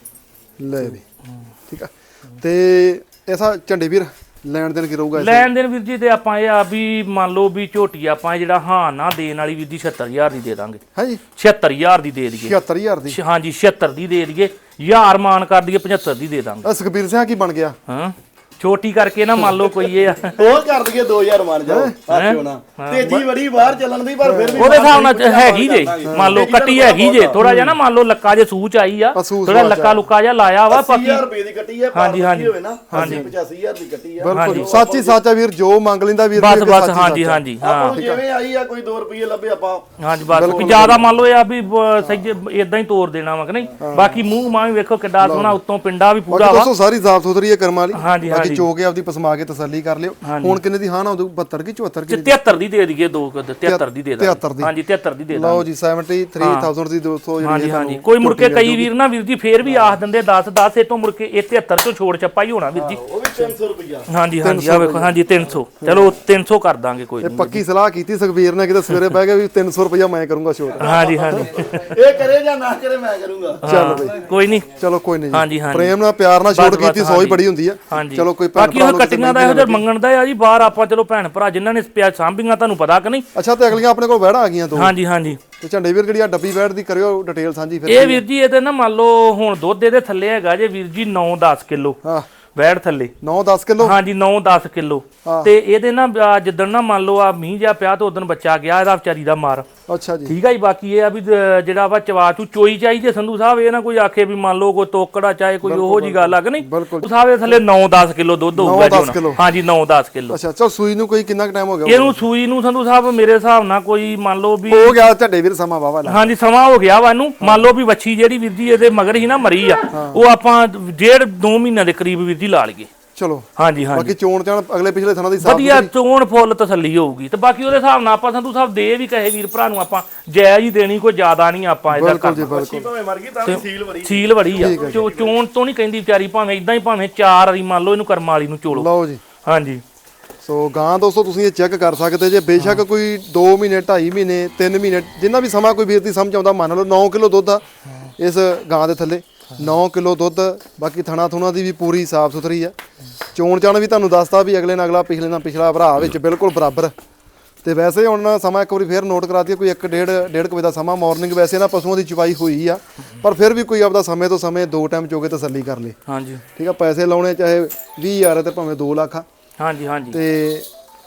ਲੈ ਵੀ ਠੀਕ ਆ ਤੇ ਐਸਾ ਝੰਡੇ ਵੀਰ ਲੈਣ ਦੇਣ ਕੀ ਰਹੂਗਾ ਲੈਣ ਦੇਣ ਵੀਰ ਜੀ ਤੇ ਆਪਾਂ ਇਹ ਆ ਵੀ ਮੰਨ ਲਓ ਵੀ ਝੋਟੀ ਆਪਾਂ ਇਹ ਜਿਹੜਾ ਹਾਂ ਨਾ ਦੇਣ ਵਾਲੀ ਵੀਰ ਦੀ ਛਿਅੱਤਰ ਹਜ਼ਾਰ ਦੀ ਦੇ ਦਾਂਗੇ ਹਾਂਜੀ ਛਿਅੱਤਰ ਹਜ਼ਾਰ ਦੀ ਦੇ ਦਈਏ ਛਿਅੱਤਰ ਹਜ਼ਾਰ ਦੀ ਹਾਂਜੀ ਛਿਅੱਤਰ ਦੀ ਦੇ ਦਈਏ ਹਜ਼ਾਰ ਮਾਨ ਕਰ ਦਈਏ ਪਝੱਤਰ ਦੀ ਦੇ ਦਾਂਗੇ ਆ ਸੁਖਬੀਰ ਸਿੰਘ ਕੀ ਬਣ ਗਿਆ ਹਾਂ ਛੋਟੀ ਕਰਕੇ ਨਾ ਮੰਨ ਲਓ ਕੋਈ ਇਹ ਆ ਹੋਰ ਕਰ ਦਈਏ ਦੋ ਹਜ਼ਾਰ ਮੰਨ ਜਾਓ ਆਖਿਓ ਨਾ ਤੇਜੀ ਬੜੀ ਬਾਹਰ ਚੱਲਣ ਦੀ ਪਰ ਫਿਰ ਵੀ ਉਹਦੇ ਹਿਸਾਬ ਨਾਲ ਹੈਗੀ ਜੇ ਮੰਨ ਲਓ ਕੱਟੀ ਹੈਗੀ ਜੇ ਥੋੜਾ ਜਿਹਾ ਨਾ ਮੰਨ ਲਓ ਲੱਕਾ ਜੇ ਸੂਚ ਆਈ ਆ ਥੋੜਾ ਲੱਕਾ ਲੁੱਕਾ ਜਿਹਾ ਲਾਇਆ ਵਾ ਅੱਸੀ ਹਜ਼ਾਰ ਰੁਪਏ ਦੀ ਕੱਟੀ ਹੈ ਹਾਂਜੀ, ਹਾਂਜੀ। ਹੋਵੇ ਨਾ ਹਾਂਜੀ ਪਚਾਸੀ ਹਜ਼ਾਰ ਦੀ ਕੱਟੀ ਆ ਬਿਲਕੁਲ ਸੱਚ ਹੀ ਸੱਚ ਆ ਵੀਰ ਜੋ ਮੰਗ ਲੈਂਦਾ ਵੀਰ ਬਸ ਬਸ ਹਾਂਜੀ ਹਾਂਜੀ ਹਾਂ ਆਪਾਂ ਨੂੰ ਜਿਵੇਂ ਆਈ ਆ ਕੋਈ ਦੋ ਰੁਪਏ ਲੱਭੇ ਆਪਾਂ ਹਾਂਜੀ ਬਸ ਵੀ ਜ਼ਿਆਦਾ ਮੰਨ ਲਓ ਇਹ ਆ ਵੀ ਬ- ਸਹੀ ਇਦਾਂ ਹੀ ਤੋੜ ਦੇਣਾ ਵਾ ਕਿ ਨਹੀਂ ਬਾਕੀ ਮੂੰਹ ਮਾਂ ਵੀ ਵੇਖੋ ਕਿੱਡਾ ਸੋਹਣਾ ਉੱਤੋਂ ਪਿੰਡਾ ਵੀ ਪੂਰਾ ਵਾ ਦੋਸਤੋ ਸਾਰੀ ਜ਼ਾਬਤ ਸੁਥਰੀ ਹੈ ਕਰਮ ਵਾਲੀ ਹਾਂਜੀ ਬਾਕੀ ਹਾਂਜੀ ਚੋ ਕੇ ਆਪਦੀ ਪਸਮਾ ਕੇ ਤਸੱਲੀ ਕਰ ਲਿਓ ਹੁਣ ਕਿੰਨੇ ਦੀ ਹਾਂ ਨਾ ਉਦੋਂ ਬਹੱਤਰ ਕੀ ਚੁਹੱਤਰ ਕੀ ਤਿਹੱਤਰ ਦੀ ਦੇ ਦਈਏ ਦੋ ਕੁ, ਤਿਹੱਤਰ ਦੀ ਦੇ ਦਾਂਗੇ ਤਿਹੱਤਰ ਦੀ। ਹਾਂਜੀ ਤਿਹੱਤਰ ਦੀ ਦੇ ਦਾਂਗੇ ਲਓ ਜੀ ਸੈਵਨਟੀ ਥ੍ਰੀ ਥਾਊਜ਼ੈਂਡ ਦੀ ਦੋਸਤੋ ਜਿਹੜੀ ਹਾਂਜੀ ਹਾਂਜੀ ਕੋਈ ਮੁੜ ਕੇ ਕਈ ਵੀਰ ਨਾ ਵੀਰ ਜੀ ਫੇਰ ਵੀ ਆਖ ਦਿੰਦੇ ਦਸ ਦਸ ਇਹ ਤੋਂ ਮੁੜ ਕੇ ਇਹ ਤਿਹੱਤਰ ਤੋਂ ਛੋੜ ਛੱਪਾ ਹੀ ਹੋਣਾ ਵੀਰ ਜੀ ਉਹ ਵੀ ਤਿੰਨ ਸੌ ਰੁਪਇਆ ਹਾਂਜੀ ਹਾਂਜੀ ਆ ਵੇਖੋ ਹਾਂਜੀ ਤਿੰਨ ਸੌ ਚਲੋ ਤਿੰਨ ਸੌ ਕਰ ਦਾਂਗੇ ਕੋਈ ਇਹ ਨਹੀਂ ਪੱਕੀ ਸਲਾਹ ਕੀਤੀ ਸੁਖਬੀਰ ਨੇ ਕਿਤੇ ਸਵੇਰੇ ਬਹਿ ਕੇ ਵੀ ਤਿੰਨ ਸੌ ਰੁਪਇਆ ਮੈਂ ਕਰੂੰਗਾ ਛੋਟ ਹਾਂਜੀ ਹਾਂਜੀ ਇਹ ਕਰੇ ਜਾਂ ਨਾ ਕਰੇ ਮੈਂ ਕਰੂੰਗਾ ਚੱਲ ਬਈ ਕੋਈ ਨਹੀਂ ਚਲੋ ਕੋਈ ਨਹੀਂ ਹਾਂਜੀ ਜੀ ਹਾਂਜੀ ਪ੍ਰੇਮ ਨਾਲ ਪਿਆਰ ਨਾਲ ਛੋਟ ਕੀਤੀ ਸੌ ਹੀ ਬੜੀ ਹੁੰਦੀ ਆ ਹਾਂਜੀ ਚਲੋ ਕੋਈ ਭੈਣ ਬਾਕੀ ਉਹ ਕੱਟੀਆਂ ਦਾ ਇਹੋ ਜਿਹਾ ਮੰਗਣ ਦਾ ਆ ਜੀ ਬਾਹਰ ਆਪਾਂ ਚਲੋ ਭੈਣ ਭਰਾ ਜਿਨ੍ਹਾਂ ਨੇ ਪਿਆ ਸਾਂਭੀਆਂ ਤੁਹਾਨੂੰ ਪਤਾ ਕਿ ਨਹੀਂ ਅੱਛਾ ਤੇ ਅਗਲੀਆਂ ਆਪਣੇ ਕੋਲ ਵਹਿੜਾਂ ਆ ਗਈਆਂ ਦੋ ਹਾਂਜੀ ਹਾਂਜੀ ਤੇ ਝੰਡੇ ਵੀਰ ਜਿਹੜੀ ਆ ਡੱਬੀ ਵਹਿੜ ਦੀ ਕਰਿਓ ਡਿਟੇਲ ਸਾਂਝੀ ਫਿਰ ਇਹ ਵੀਰ ਜੀ ਇਹ ਤੇ ਨਾ ਮੰਨ ਲਓ ਹੁਣ ਦੁੱਧ ਇਹਦੇ ਥੱਲੇ ਹੈਗਾ ਜੇ ਵੀਰ ਜੀ ਨੌ ਦਸ ਕਿਲੋ ਹਾਂ ਵੈੜ ਥੱਲੇ ਨੌ ਦਸ ਕਿਲੋ ਹਾਂਜੀ ਨੌ ਦਸ ਕਿਲੋ ਤੇ ਇਹਦੇ ਨਾ ਆ ਜਿੱਦਣ ਨਾ ਮੰਨ ਲਓ ਆ ਮੀਂਹ ਜਿਹਾ ਪਿਆ ਤੇ ਉਦੋਂ ਬੱਚਾ ਗਿਆ ਇਹਦਾ ਵਿਚਾਰੀ ਦਾ ਮਾਰ ਅੱਛਾ ਜੀ ਠੀਕ ਆ ਜੀ ਬਾਕੀ ਇਹ ਆ ਵੀ ਜ- ਜਿਹੜਾ ਵਾ ਚਵਾ ਚੂ ਚੋਈ ਚਾਹੀਦੀ ਸੰਧੂ ਸਾਹਿਬ ਇਹ ਨਾ ਕੋਈ ਆਖੇ ਵੀ ਮੰਨ ਲਓ ਕੋਈ ਤੋਕੜਾ ਚਾਹੇ ਕੋਈ ਉਹੋ ਜੀ ਗੱਲ ਆ ਕਿ ਨਹੀਂ ਬਿਲਕੁਲ ਸੰਧੂ ਸਾਹਿਬ ਦੇ ਥੱਲੇ ਨੌ ਦਸ ਕਿਲੋ ਦੁੱਧ ਹੋਊਗਾ ਦਸ ਜੀ ਕਿੱਲੋ। ਹੁਣ ਹਾਂਜੀ ਨੌ ਦਸ ਕਿਲੋ ਅੱਛਾ ਚਲ ਸੂਈ ਨੂੰ ਕੋਈ ਕਿੰਨਾ ਟਾਈਮ ਹੋ ਗਿਆ ਇਹਨੂੰ ਸੂਈ ਨੂੰ ਸੰਧੂ ਸਾਹਿਬ ਮੇਰੇ ਹਿਸਾਬ ਨਾਲ ਕੋਈ ਮੰਨ ਲਓ ਵੀ ਹੋ ਗਿਆ ਝੰਡੇ ਵੀਰ ਸਮਾਂ ਵਾਵਾ ਲਾ ਹਾਂਜੀ ਸਮਾਂ ਹੋ ਗਿਆ ਵਾ ਇਹਨੂੰ ਮੰਨ ਲਓ ਵੀ ਵੱਛੀ ਜਿਹੜੀ ਵੀਰ ਜੀ ਇਹਦੇ ਮਗਰ ਹੀ ਨਾ ਮਰੀ ਆ ਉਹ ਆਪਾਂ ਡੇਢ ਦੋ ਮਹੀਨਿਆਂ ਦੇ ਕਰੀਬ ਵੀਰ ਜੀ ਲਾ ਲਈਏ ਚਲੋ ਹਾਂਜੀ ਹਾਂਜੀ ਬਾਕੀ ਚੋਣ ਚਾਣ ਅਗਲੇ ਪਿਛਲੇ ਥਾਂ ਦੀ ਸਾਫ ਵਧੀਆ ਚੋਣ ਫੁੱਲ ਤਸੱਲੀ ਹੋਊਗੀ ਤੇ ਬਾਕੀ ਉਹਦੇ ਹਿਸਾਬ ਨਾਲ ਆਪਾਂ ਸੰਧੂ ਸਾਹਿਬ ਦੇ ਵੀ ਕਹੇ ਵੀਰ ਭਰਾ ਨੂੰ ਆਪਾਂ ਜਾਇਜ਼ ਹੀ ਦੇਣੀ ਕੋਈ ਜ਼ਿਆਦਾ ਨਹੀਂ ਆਪਾਂ ਇਹਦਾ ਬਿਲਕੁਲ ਜੀ ਕਰਨਾ ਬਿਲਕੁਲ ਭਾਵੇਂ ਮਰ ਗਈ ਤਾਂ ਵੀ ਸੀਲ ਬੜੀ ਸੀਲ ਵੜੀ ਆ ਚੋ- ਚੋਣ ਤੋਂ ਨਹੀਂ ਕਹਿੰਦੀ ਵਿਚਾਰੀ ਭਾਵੇਂ ਇਦਾਂ ਹੀ ਭਾਵੇਂ ਚਾਰ ਵਾਰੀ ਮੰਨ ਲਓ ਇਹਨੂੰ ਕਰਮ ਵਾਲੀ ਨੂੰ ਚੋਲੋ ਲਓ ਜੀ ਹਾਂਜੀ ਸੋ ਗਾਂ ਦੋਸਤੋ ਤੁਸੀਂ ਇਹ ਚੈੱਕ ਕਰ ਸਕਦੇ ਜੇ ਬੇਸ਼ੱਕ ਕੋਈ ਦੋ ਮਹੀਨੇ ਢਾਈ ਮਹੀਨੇ ਤਿੰਨ ਮਹੀਨੇ ਜਿੰਨਾ ਵੀ ਸਮਾਂ ਕੋਈ ਵੀਰ ਦੀ ਸਮਝ ਆਉਂਦਾ ਮੰਨ ਲਓ ਨੌ ਕਿਲੋ ਦੁੱਧ ਆ ਇਸ ਗਾਂ ਦੇ ਥੱਲੇ ਨੌ ਕਿਲੋ ਦੁੱਧ ਬਾਕੀ ਥਣਾ ਥੁਣਾ ਦੀ ਵੀ ਪੂਰੀ ਸਾਫ ਸੁਥਰੀ ਆ ਚੋਣ ਚਾਣ ਵੀ ਤੁਹਾਨੂੰ ਦੱਸਦਾ ਵੀ ਅਗਲੇ ਨਾਲ ਅਗਲਾ ਪਿਛਲੇ ਨਾਲ ਪਿਛਲਾ ਭਰਾ ਵਿੱਚ ਬਿਲਕੁਲ ਬਰਾਬਰ ਤੇ ਵੈਸੇ ਹੁਣ ਸਮਾਂ ਇੱਕ ਵਾਰੀ ਫੇਰ ਨੋਟ ਕਰਾ ਦਈਏ ਕੋਈ ਇੱਕ ਡੇਢ ਡੇਢ ਕੁ ਵਜੇ ਦਾ ਸਮਾਂ ਮਾਰਨਿੰਗ ਵੈਸੇ ਨਾ ਪਸ਼ੂਆਂ ਦੀ ਚੁਵਾਈ ਹੋਈ ਆ ਪਰ ਫਿਰ ਵੀ ਕੋਈ ਆਪਦਾ ਸਮੇਂ ਤੋਂ ਸਮੇਂ ਦੋ ਟਾਈਮ ਚੋਗੇ ਤਸੱਲੀ ਕਰ ਲੇ ਹਾਂਜੀ ਠੀਕ ਆ ਪੈਸੇ ਲਾਉਣੇ ਚਾਹੇ ਵੀਹ ਹਜ਼ਾਰ ਤੇ ਭਾਵੇਂ ਦੋ ਲੱਖ ਆ ਹਾਂਜੀ ਹਾਂਜੀ ਤੇ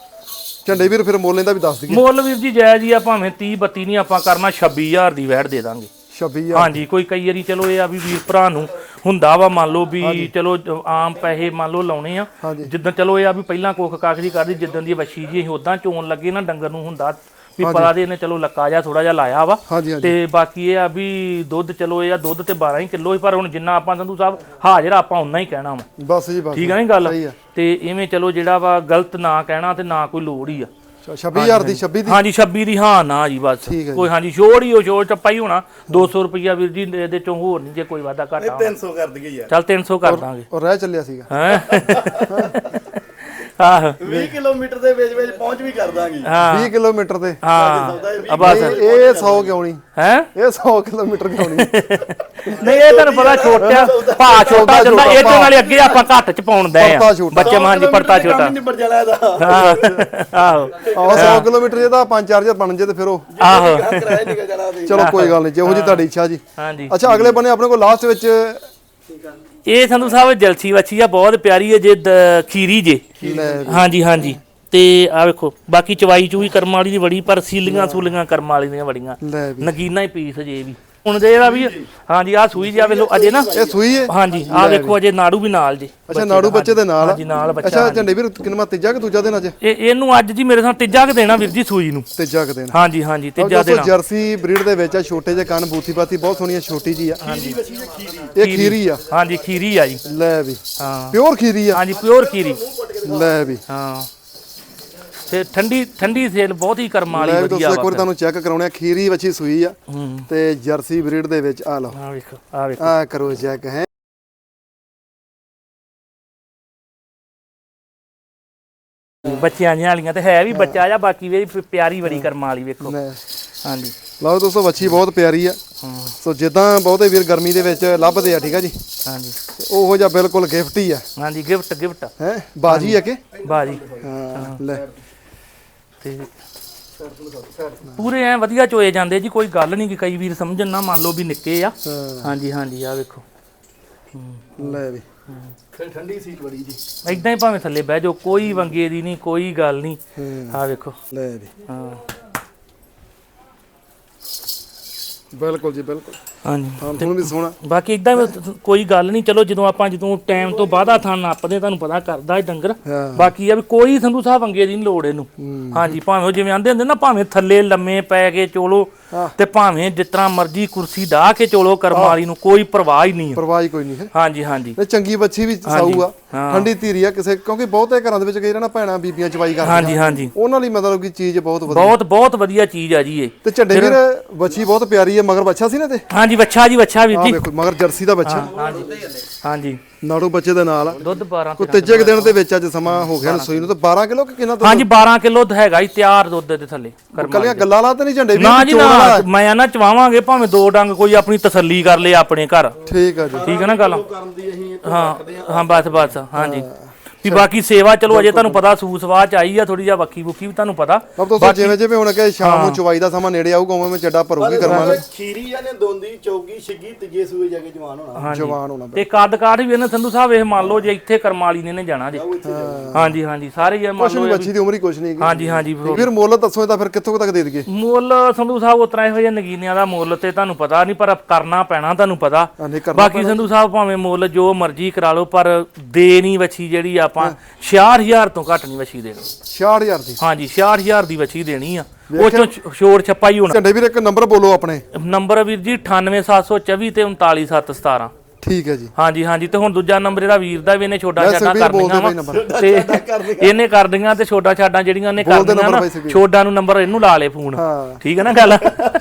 ਝੰਡੇ ਵੀਰ ਫਿਰ ਮੁੱਲ ਇਹਦਾ ਵੀ ਦੱਸ ਦਈਏ ਮੁੱਲ ਵੀਰ ਜੀ ਜਾਇਜ਼ ਹੀ ਆ ਭਾਵੇਂ ਤੀਹ ਬੱਤੀ ਨਹੀਂ ਆਪਾਂ ਕਰਨਾ ਛੱਬੀ ਹਜ਼ਾਰ ਦੀ ਵੈਟ ਦੇ ਦਾਂਗੇ ਛੱਬੀ ਹਜ਼ਾਰ ਹਾਂਜੀ ਕੋਈ ਕਈ ਵਾਰੀ ਚਲੋ ਇਹ ਆ ਵੀ ਵੀਰ ਭਰਾ ਨੂੰ ਹੁੰਦਾ ਵਾ ਮੰਨ ਲਓ ਵੀ ਚਲੋ ਆਮ ਪੈਸੇ ਮੰਨ ਲਓ ਲਾਉਣੇ ਆ ਹਾਂਜੀ। ਜਿੱਦਾਂ ਚਲੋ ਇਹ ਆ ਵੀ ਪਹਿਲਾਂ ਕੋਖ ਕਾਖਰੀ ਕਰਦੀ ਜਿੱਦਾਂ ਦੀ ਵੱਛੀ ਜੀ ਅਸੀਂ ਉਦਾਂ ਚੋਣ ਲੱਗੇ ਨਾ ਡੰਗਰ ਨੂੰ ਹੁੰਦਾ ਵੀ ਪਤਾ ਦੇ ਇਹਨੇ ਚਲੋ ਲੱਕਾ ਜਾ ਥੋੜਾ ਜਿਹਾ ਲਾਇਆ ਵਾ ਹਾਂਜੀ ਹਾਂਜੀ ਤੇ ਬਾਕੀ ਇਹ ਆ ਵੀ ਦੁੱਧ ਚਲੋ ਇਹ ਆ ਦੁੱਧ ਤੇ ਬਾਰਾਂ ਹੀ ਕਿਲੋ ਹੀ ਪਰ ਹੁਣ ਜਿੰਨਾ ਆਪਾਂ ਸੰਧੂ ਸਾਹਿਬ ਹਾਜ਼ਰ ਆਪਾਂ ਉਨਾ ਹੀ ਕਹਿਣਾ ਵਾ ਬਸ ਜੀ ਬਸ ਠੀਕ ਆ ਨੀ ਗੱਲ ਸਹੀ ਆ। ਤੇ ਇਵੇਂ ਚਲੋ ਜਿਹੜਾ ਵਾ ਗਲਤ ਨਾ ਕਹਿਣਾ ਤੇ ਨਾ ਕੋਈ ਲੋੜ ਹੀ ਆ ਛੱਬੀ ਹਜ਼ਾਰ ਦੀ ਛੱਬੀ ਦੀ ਹਾਂਜੀ ਛੱਬੀ ਦੀ ਹਾਂ ਨਾ ਜੀ ਬਸ ਠੀਕ ਹੈ ਜੀ। ਕੋਈ ਹਾਂਜੀ ਛੋੜ ਹੀ ਉਹ ਛੋੜ ਚੱਪਾ ਹੀ ਹੋਣਾ ਦੋ ਸੌ ਰੁਪਈਆ ਵੀਰ ਜੀ ਇਹਦੇ ਚੋਂ ਹੋਰ ਨਹੀਂ ਜੇ ਕੋਈ ਵਾਧਾ ਘਾਟਾ ਤਿੰਨ ਸੌ ਕਰ ਦਈਏ ਯਾਰ ਚੱਲ ਤਿੰਨ ਸੌ ਕਰ ਦਾਂਗੇ ਉਹ ਰਹਿ ਚੱਲਿਆ ਸੀਗਾ ਹੈ ਆਹ ਵੀਹ ਕਿਲੋਮੀਟਰ ਦੇ ਵਿੱਚ ਵਿੱਚ ਪਹੁੰਚ ਵੀ ਕਰ ਦਾਂਗੇ ਹਾਂ ਵੀਹ ਕਿਲੋਮੀਟਰ ਤੇ ਹਾਂ ਆ ਬਸ ਇਹ ਇਹ ਸੌ ਕਿਉਂ ਨਹੀਂ ਹੈ ਇਹ ਸੌ ਕਿਲੋਮੀਟਰ ਕਿਉਂ ਨਹੀਂ ਨਹੀਂ ਇਹ ਤੁਹਾਨੂੰ ਪਤਾ ਛੋਟਾ ਭਾ ਛੋਟਾ ਜਾਂਦਾ ਇਹਦੇ ਨਾਲ ਅੱਗੇ ਆਪਾਂ ਘੱਟ ਚ ਪਾਉਣ ਦੇ ਆ ਪਰਤਾ ਛੋਟਾ। ਬੱਚੇ ਮਾਂ ਜੀ ਪਰਤਾ ਛੋਟਾ ਨਿਬੜ ਜਾਣਾ ਇਹਦਾ ਆਹੋ ਆਹ ਸੌ ਕਿਲੋਮੀਟਰ ਜੇ ਤਾਂ ਪੰਜ ਚਾਰ ਹਜ਼ਾਰ ਬਣ ਜੇ ਤੇ ਫਿਰ ਉਹ ਆਹੋ ਕਿਰਾਇਆ ਨਿਕਲ ਜਾਣਾ ਉਹਦੀ ਚਲੋ ਕੋਈ ਗੱਲ ਨਹੀਂ ਜਿਹੋ ਜੀ ਤੁਹਾਡੀ ਇੱਛਾ ਜੀ ਹਾਂਜੀ ਅੱਛਾ ਅਗਲੇ ਬੰਨੇ ਆਪਣੇ ਕੋਲ ਲਾਸਟ ਵਿੱਚ ਇਹ ਸੰਧੂ ਸਾਹਿਬ ਜਲਸੀ ਵੱਛੀ ਆ ਬਹੁਤ ਪਿਆਰੀ ਹੈ ਜੇ ਦ- ਖੀਰੀ ਜੇ ਲੈ ਹਾਂਜੀ ਹਾਂਜੀ ਤੇ ਆ ਵੇਖੋ ਬਾਕੀ ਚਵਾਈ ਚੂਈ ਕਰਮ ਵਾਲੀ ਦੀ ਬੜੀ ਪਰ ਸੀਲੀਆਂ ਸੂਲੀਆਂ ਕਰਮ ਵਾਲੀ ਦੀਆਂ ਬੜੀਆਂ ਲੈ ਵੀ ਨਗੀਨਾ ਹੀ ਪੀਸ ਜੇ ਵੀ ਹੁਣ ਦੇ ਇਹਦਾ ਵੀ ਹਾਂਜੀ ਆ ਸੂਈ ਜਾ ਵੇਲੋ ਅਜੇ ਨਾ ਇਹ ਸੂਈ ਹੈ ਹਾਂਜੀ ਆ ਵੇਖੋ ਅਜੇ ਨਾੜੂ ਵੀ ਨਾਲ ਜੀ ਅੱਛਾ ਨਾੜੂ ਬੱਚੇ ਦੇ ਨਾਲ ਹਾਂਜੀ ਨਾਲ ਬੱਚਾ ਅੱਛਾ ਝੰਡੇ ਵੀਰ ਕਿੰਨਾ ਤੀਜਾ ਕਿ ਦੂਜਾ ਦਿਨ ਅੱਜ ਇਹ ਇਹਨੂੰ ਅੱਜ ਜੀ ਮੇਰੇ ਸਾਹ ਤੀਜਾ ਕ ਦੇਣਾ ਵੀਰ ਜੀ ਸੂਈ ਨੂੰ ਤੀਜਾ ਕਿ ਦਿਨ ਹਾਂਜੀ ਹਾਂਜੀ ਤੀਜਾ ਦੋਸਤੋ ਦੇਣਾ ਜਰਸੀ ਬਰੀਡ ਦੇ ਵਿੱਚ ਆ ਛੋਟੇ ਜਿਹੇ ਕੰਨ ਬੂਥੀ ਪਾਤੀ ਬਹੁਤ ਸੋਹਣੀਆਂ ਛੋਟੀ ਜੀ ਆ ਹਾਂਜੀ ਇਹ ਖੀਰੀ ਆ ਹਾਂਜੀ ਖੀਰੀ ਆ ਜੀ ਲੈ ਵੀ ਹਾਂ ਪਿਓਰ ਖੀਰੀ ਆ ਹਾਂਜੀ ਪਿਓਰ ਖੀਰੀ ਲੈ ਵੀ ਹਾਂ ਤੇ ਠੰਡੀ ਠੰਡੀ ਸੇਲ ਬਹੁਤ ਹੀ ਕਰਮ ਵਾਲੀ ਲੈ ਵੀ ਵਧੀਆ ਦੋਸਤੋ ਇੱਕ ਵਾ ਵਾਰੀ ਤੁਹਾਨੂੰ ਚੈੱਕ ਕਰਾਉਣੇ ਆ ਖੀਰੀ ਵੱਛੀ ਸੂਈ ਆ ਹੂੰ ਤੇ ਜਰਸੀ ਬਰੀਡ ਦੇ ਵਿੱਚ ਆ ਲਓ ਆ ਵੇਖੋ ਆ ਵੇਖੋ ਆ ਕਰੋ ਚੈੱਕ ਹੈ ਬੱਚਿਆਂ ਜਿਹੀਆਂ ਵਾਲੀਆਂ ਤੇ ਹੈ ਵੀ ਬੱਚਾ ਜਾਂ ਬਾਕੀ ਵੀ ਪਿਆਰੀ ਬੜੀ ਕਰਮ ਵਾਲੀ ਵੇਖੋ ਲੈ ਹਾਂਜੀ ਲਓ ਦੋਸਤੋ ਵੱਛੀ ਬਹੁਤ ਪਿਆਰੀ ਆ ਹਾਂ ਸੋ ਜਿੱਦਾਂ ਬਹੁਤੇ ਵੀਰ ਗਰਮੀ ਦੇ ਵਿੱਚ ਲੱਭਦੇ ਆ ਠੀਕ ਆ ਜੀ ਹਾਂਜੀ ਉਹੋ ਜਿਹਾ ਬਿਲਕੁਲ ਗਿਫਟ ਹੀ ਆ ਹਾਂਜੀ ਗਿਫਟ ਗਿਫਟ ਹੈ ਬਾਜੀ ਆ ਕਿ ਬਾਜੀ ਹਾਂ ਲੈ ਤੇ ਪੂਰੇ ਐ ਵਧੀਆ ਚੋਏ ਜਾਂਦੇ ਜੀ ਕੋਈ ਗੱਲ ਨਹੀਂ ਕਿ ਕਈ ਵੀਰ ਸਮਝਣ ਨਾ ਮੰਨ ਲਓ ਵੀ ਨਿੱਕੇ ਆ ਹਾਂਜੀ ਹਾਂਜੀ ਆ ਵੇਖੋ ਲੈ ਵੀ ਫਿਰ ਠੰਡੀ ਸੀਟ ਬੜੀ ਜੀ ਇਦਾਂ ਹੀ ਭਾਵੇਂ ਥੱਲੇ ਬਹਿ ਜਾਓ ਕੋਈ ਵੰਗੇ ਦੀ ਨਹੀਂ ਕੋਈ ਗੱਲ ਨਹੀਂ ਆ ਵੇਖੋ ਲੈ ਵੀ ਹਾਂ ਬਿਲਕੁਲ ਜੀ ਬਿਲਕੁਲ ਹਾਂਜੀ ਹਾਂ ਤੁਹਾਨੂੰ ਵੀ ਸੋਹਣਾ ਬਾਕੀ ਇਦਾਂ ਕੋਈ ਗੱਲ ਨਹੀਂ ਚਲੋ ਜਦੋਂ ਆਪਾਂ ਜਦੋਂ ਟਾਈਮ ਤੋਂ ਬਾਅਦਾ ਥਾਂ ਨਾਪਦੇ ਤੁਹਾਨੂੰ ਪਤਾ ਕਰਦਾ ਇਹ ਡੰਗਰ ਹਾਂ ਬਾਕੀ ਆ ਵੀ ਕੋਈ ਸੰਧੂ ਸਾਹਿਬ ਵੰਗੇ ਦੀ ਨਹੀਂ ਲੋੜ ਇਹਨੂੰ ਹਾਂਜੀ ਭਾਵੇਂ ਉਹ ਜਿਵੇਂ ਆਂਦੇ ਹੁੰਦੇ ਨਾ ਭਾਵੇਂ ਥੱਲੇ ਲੰਮੇ ਪੈ ਕੇ ਚੋਲੋ ਤੇ ਭਾਵੇਂ ਜਿਸ ਤਰ੍ਹਾਂ ਮਰਜ਼ੀ ਕੁਰਸੀ ਢਾ ਕੇ ਚੋਲੋ ਕਰਮ ਵਾਲੀ ਨੂੰ ਕੋਈ ਪਰਵਾਹ ਹੀ ਨਹੀਂ ਪਰਵਾਹ ਹੀ ਕੋਈ ਨਹੀਂ ਹੈ ਹਾਂਜੀ ਹਾਂਜੀ ਇਹ ਚੰਗੀ ਬੱਚੀ ਵੀ ਸਾਊ ਆ ਠੰਡੀ ਧੀਰੀ ਆ ਕਿਸੇ ਕਿਉਂਕਿ ਬਹੁਤੇ ਘਰਾਂ ਦੇ ਵਿੱਚ ਕਈ ਨਾ ਭੈਣਾਂ ਬੀਬੀਆਂ ਚਵਾਈ ਕਰਦੀਆਂ ਹਾਂਜੀ ਹਾਂਜੀ ਉਹਨਾਂ ਲਈ ਮਤਲਬ ਕਿ ਚੀਜ਼ ਬਹੁਤ ਵਧੀਆ ਬਹੁਤ ਬਹੁਤ ਵਧੀਆ ਚੀਜ਼ ਆ ਜੀ ਇਹ ਤੇ ਝੰਡੇ ਵੀਰ ਬੱਚੀ ਬਹੁਤ ਪਿਆਰੀ ਆ ਮਗਰ ਬੱਚਾ ਸੀ ਨਾ ਤੇ ਹਾਂਜੀ ਬੱਚਾ ਜੀ ਬੱਚਾ ਵੀਰ ਆ ਜੀ ਵੇਖੋ ਮਗਰ ਜਰਸੀ ਦਾ ਬੱਚਾ ਹਾਂਜੀ ਹਾਂਜੀ ਨਾੜੂ ਬੱਚੇ ਦੇ ਨਾਲ ਆ ਦੁੱਧ ਬਾਰਾਂ ਕੋ ਤੀਜੇ ਕੁ ਦਿਨ ਦੇ ਵਿੱਚ ਅੱਜ ਸਮਾਂ ਹੋ ਗਿਆ ਨੂੰ ਸੂਈ ਨੂੰ ਤੇ ਬਾਰਾਂ ਕਿਲੋ ਕਿ ਕਿੰਨਾ ਹਾਂਜੀ ਬਾਰਾਂ ਕਿਲੋ ਹੈਗਾ ਹੀ ਤਿਆਰ ਦੁੱਧ ਦੇ ਥੱਲੇ ਕਰਮ ਕੱਲੀਆਂ ਗੱਲਾਂ ਲਾ ਤੇ ਨਹੀਂ ਝੰਡੇ ਵੀਰ ਨਾ ਜੀ ਨਾ ਮੈਂ ਨਾ ਚਵਾਵਾਂਗੇ ਭਾਵੇਂ ਦੋ ਡੰਗ ਕੋਈ ਆਪਣੀ ਤਸੱਲੀ ਕਰ ਲੇ ਆਪਣੇ ਘਰ ਠੀਕ ਆ ਜੀ ਠੀਕ ਹੈ ਨਾ ਗੱਲ ਕਰਨ ਦੀ ਅਸੀਂ ਹਾਂ ਹਾਂ ਬਸ ਬਸ ਹਾਂਜੀ ਵੀ ਬਾਕੀ ਸੇਵਾ ਚਲੋ ਅਜੇ ਤੁਹਾਨੂੰ ਪਤਾ ਸੂਸਵਾਹ ਚ ਆਈ ਆ ਥੋੜੀ ਜਿਹਾ ਵੱਖੀ ਵੁੱਖੀ ਵੀ ਤੁਹਾਨੂੰ ਪਤਾ ਅਬ ਦੋਸਤੋ ਜਿਵੇਂ ਜਿਵੇਂ ਹੁਣ ਕਿ ਸ਼ਾਮ ਨੂੰ ਚਵਾਈ ਦਾ ਸਮਾਂ ਨੇੜੇ ਆਊਗਾ ਉਵੇਂ ਮੈਂ ਚੱਡਾ ਭਰੂਗੀ ਕਰਮਾਂਗੇ ਖੀਰੀ ਆ ਨੇ ਦੋਂਦੀ ਚੌਗੀ ਛਿੱਗੀ ਤੀਜੇ ਸੂਏ ਜਾ ਕੇ ਜਵਾਨ ਹੋਣਾ ਜਵਾਨ ਹੋਣਾ ਤੇ ਕੱਦ ਕਾਠ ਵੀ ਇਹਨੇ ਸੰਧੂ ਸਾਹਿਬ ਇਹ ਮੰਨ ਲਓ ਜੇ ਇੱਥੇ ਕਰਮਾਲੀ ਨੇ ਨੇ ਜਾਣਾ ਜੇ ਹਾਂਜੀ ਹਾਂਜੀ ਸਾਰੇ ਇਹ ਮੰਨ ਲਓ ਬੱਚੀ ਦੀ ਉਮਰ ਹੀ ਕੁਛ ਨਹੀਂ ਹਾਂਜੀ ਹਾਂਜੀ ਫਿਰ ਮੁੱਲ ਦੱਸੋ ਤਾਂ ਫਿਰ ਕਿੱਥੋਂ ਤੱਕ ਦੇ ਦਈਏ ਮੁੱਲ ਸੰਧੂ ਸਾਹਿਬ ਉਤਰਾ ਇਹੋ ਜਿਹੇ ਨਗੀਨਿਆਂ ਦਾ ਮੁੱਲ ਤੇ ਤੁਹਾਨੂੰ ਪਤਾ ਨਹੀਂ ਪਰ ਕਰਨਾ ਪੈਣਾ ਤੁਹਾਨੂੰ ਪਤਾ ਨਹੀਂ ਕਰਨਾ ਬਾਕੀ ਸੰਧੂ ਸਾਹਿਬ ਭਾਵੇਂ ਮੁੱਲ ਜੋ ਮਰਜ਼ੀ ਕਰਾ ਲਓ ਪਰ ਦੇ ਨਹੀਂ ਵੱਛੀ ਜਿਹੜੀ ਆਪਾਂ ਛਿਆਹਠ ਹਜ਼ਾਰ ਤੋਂ ਘੱਟ ਨਹੀਂ ਵੱਛੀ ਦੇਣੀ ਛਿਆਹਠ ਹਜ਼ਾਰ ਦੀ ਹਾਂਜੀ ਛਿਆਹਠ ਹਜ਼ਾਰ ਦੀ ਵੱਛੀ ਦੇਣੀ ਆ ਉਹ ਚੋਂ ਛੋੜ ਛੱਪਾ ਹੀ ਹੋਣਾ ਝੰਡੇ ਵੀਰ ਇੱਕ ਨੰਬਰ ਬੋਲੋ ਆਪਣੇ ਨੰਬਰ ਵੀਰ ਜੀ ਅਠਾਨਵੇਂ ਸੱਤ ਸੌ ਚੌਵੀ ਤੇ ਉਨਤਾਲੀ ਸੱਤ ਸਤਾਰਾਂ ਠੀਕ ਹੈ ਜੀ ਹਾਂਜੀ ਹਾਂਜੀ ਤੇ ਹੁਣ ਦੂਜਾ ਨੰਬਰ ਇਹਦਾ ਵੀਰ ਦਾ ਵੀ ਇਹਨੇ ਛੋਟਾ ਛਾਟਾ ਸੁਖਬੀਰ ਕਰ ਬੋਲਦੇ ਦੀਆਂ ਬਈ ਵਾ ਨੰਬਰ ਤੇ ਇਹਨੇ ਕਰ ਦੀਆਂ ਤੇ ਛੋਟਾ ਛਾਟਾਂ ਜਿਹੜੀਆਂ ਇਹਨੇ ਕਰ ਬੋਲਦੇ ਦੀਆਂ ਨੰਬਰ ਨਾ ਬਾਈ ਸੁਖਬੀਰ। ਛੋਟਾ ਨੂੰ ਨੰਬਰ ਇਹਨੂੰ ਲਾ ਲੇ ਫੋਨ ਹਾਂ ਠੀਕ ਹੈ ਨਾ ਗੱਲ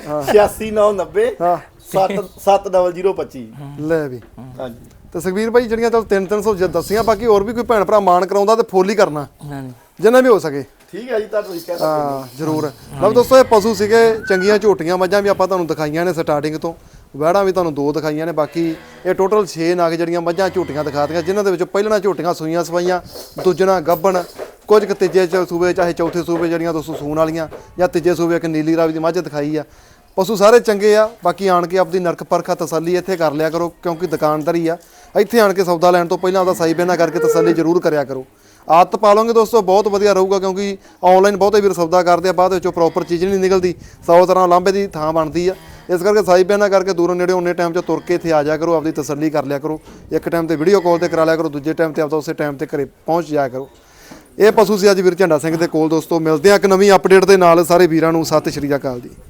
ਛਿਆਸੀ ਨੌ ਨੱਬੇ ਹਾਂ ਸੱਤ ਸੱਤ ਡਬਲ ਜ਼ੀਰੋ ਪੱਚੀ ਲੈ ਵੀ ਹਾਂਜੀ ਤੇ ਸੁਖਬੀਰ ਭਾਈ ਜਿਹੜੀਆਂ ਚਲ ਤਿੰਨ ਤਿੰਨ ਸੌ ਦੱਸੀਆਂ ਬਾਕੀ ਹੋਰ ਵੀ ਕੋਈ ਭੈਣ ਭਰਾ ਮਾਣ ਕਰਾਉਂਦਾ ਤੇ ਫੁੱਲ ਹੀ ਕਰਨਾ ਹਾਂਜੀ ਜਿੰਨਾ ਵੀ ਹੋ ਸਕੇ ਠੀਕ ਹੈ ਜੀ ਤਾਂ ਤੁਸੀਂ ਕਹਿੰਦੇ ਹਾਂ ਜ਼ਰੂਰ ਲਓ ਦੋਸਤੋ ਇਹ ਪਸ਼ੂ ਸੀਗੇ ਚੰਗੀਆਂ ਝੋਟੀਆਂ ਮੱਝਾਂ ਵੀ ਆਪਾਂ ਤੁਹਾਨੂੰ ਦਿਖਾਈਆਂ ਨੇ ਸਟਾਰਟਿੰਗ ਤੋਂ ਵਹਿੜਾਂ ਵੀ ਤੁਹਾਨੂੰ ਦੋ ਦਿਖਾਈਆਂ ਨੇ ਬਾਕੀ ਇਹ ਟੋਟਲ ਛੇ ਨਾਗ ਜਿਹੜੀਆਂ ਮੱਝਾਂ ਝੋਟੀਆਂ ਦਿਖਾਤੀਆਂ ਜਿਨ੍ਹਾਂ ਦੇ ਵਿੱਚੋਂ ਪਹਿਲਣਾ ਝੋਟੀਆਂ ਸੂਈਆਂ ਸਵਾਈਆਂ ਦੂਜਣਾ ਗੱਭਣ ਕੁਝ ਕੁ ਤੀਜੇ ਚ ਸੂਬੇ ਚਾਹੇ ਚੌਥੇ ਸੂਬੇ ਜਿਹੜੀਆਂ ਦੋਸਤੋ ਸੂਣ ਵਾਲੀਆਂ ਜਾਂ ਤੀਜੇ ਸੂਬੇ ਇੱਕ ਨੀਲੀ ਰਾਵੀ ਦੀ ਮੱਝ ਦਿਖਾਈ ਆ ਪਸ਼ੂ ਸਾਰੇ ਚੰਗੇ ਆ ਬਾਕੀ ਆਣ ਕੇ ਆਪਦੀ ਨਰਕ ਪਰਖਾ ਤਸੱਲੀ ਇੱਥੇ ਕਰ ਲਿਆ ਕਰੋ ਕਿਉਂਕਿ ਦੁਕਾਨਦਾਰੀ ਆ ਇੱਥੇ ਆਣ ਕੇ ਸੌਦਾ ਲੈਣ ਤੋਂ ਪਹਿਲਾਂ ਉਹਦਾ ਸਾਈ ਬੇਨਾ ਕਰਕੇ ਤਸੱਲੀ ਜ਼ਰੂਰ ਕਰਿਆ ਕਰੋ ਆਦਤ ਪਾ ਲਓਗੇ ਦੋਸਤੋ ਬਹੁਤ ਵਧੀਆ ਰਹੂਗਾ ਕਿਉਂਕਿ ਆਨਲਾਈਨ ਬਹੁਤੇ ਵੀਰ ਸੌਦਾ ਕਰਦੇ ਆ ਬਾਅਦ ਵਿੱਚੋਂ ਪ੍ਰੋਪਰ ਚੀਜ਼ ਨਹੀਂ ਨਿਕਲਦੀ ਸੌ ਤਰ੍ਹਾਂ ਲਾਂਭੇ ਦੀ ਥਾਂ ਬਣਦੀ ਆ ਇਸ ਕਰਕੇ ਸਾਈ ਬੇਨਾ ਕਰਕੇ ਦੂਰੋਂ ਨੇੜੇ ਉਹਨੇ ਟਾਈਮ 'ਚ ਤੁਰ ਕੇ ਇੱਥੇ ਆ ਜਾ ਕਰੋ ਆਪਦੀ ਤਸੱਲੀ ਕਰ ਲਿਆ ਕਰੋ ਇੱਕ ਟਾਈਮ ਤੇ ਵੀਡੀਓ ਕਾਲ ਤੇ ਕਰਾ ਲਿਆ ਕਰੋ ਦੂਜੇ ਟਾਈਮ ਤੇ ਆਪਦਾ ਉਸੇ ਟਾਈਮ ਤੇ ਘਰੇ ਪਹੁੰਚ ਜਾਇਆ ਕਰੋ ਇਹ ਪਸ਼ੂ ਸੀ ਅੱਜ ਵੀਰ ਝੰਡਾ ਸਿੰਘ ਦੇ ਕੋਲ ਦੋਸਤੋ ਮਿਲਦੇ ਆ ਇੱਕ ਨਵੀਂ ਅਪਡੇਟ ਦੇ ਨਾਲ ਸਾਰੇ ਵੀਰਾਂ ਨੂੰ ਸਤਿ ਸ਼੍ਰੀ ਅਕਾਲ ਜੀ।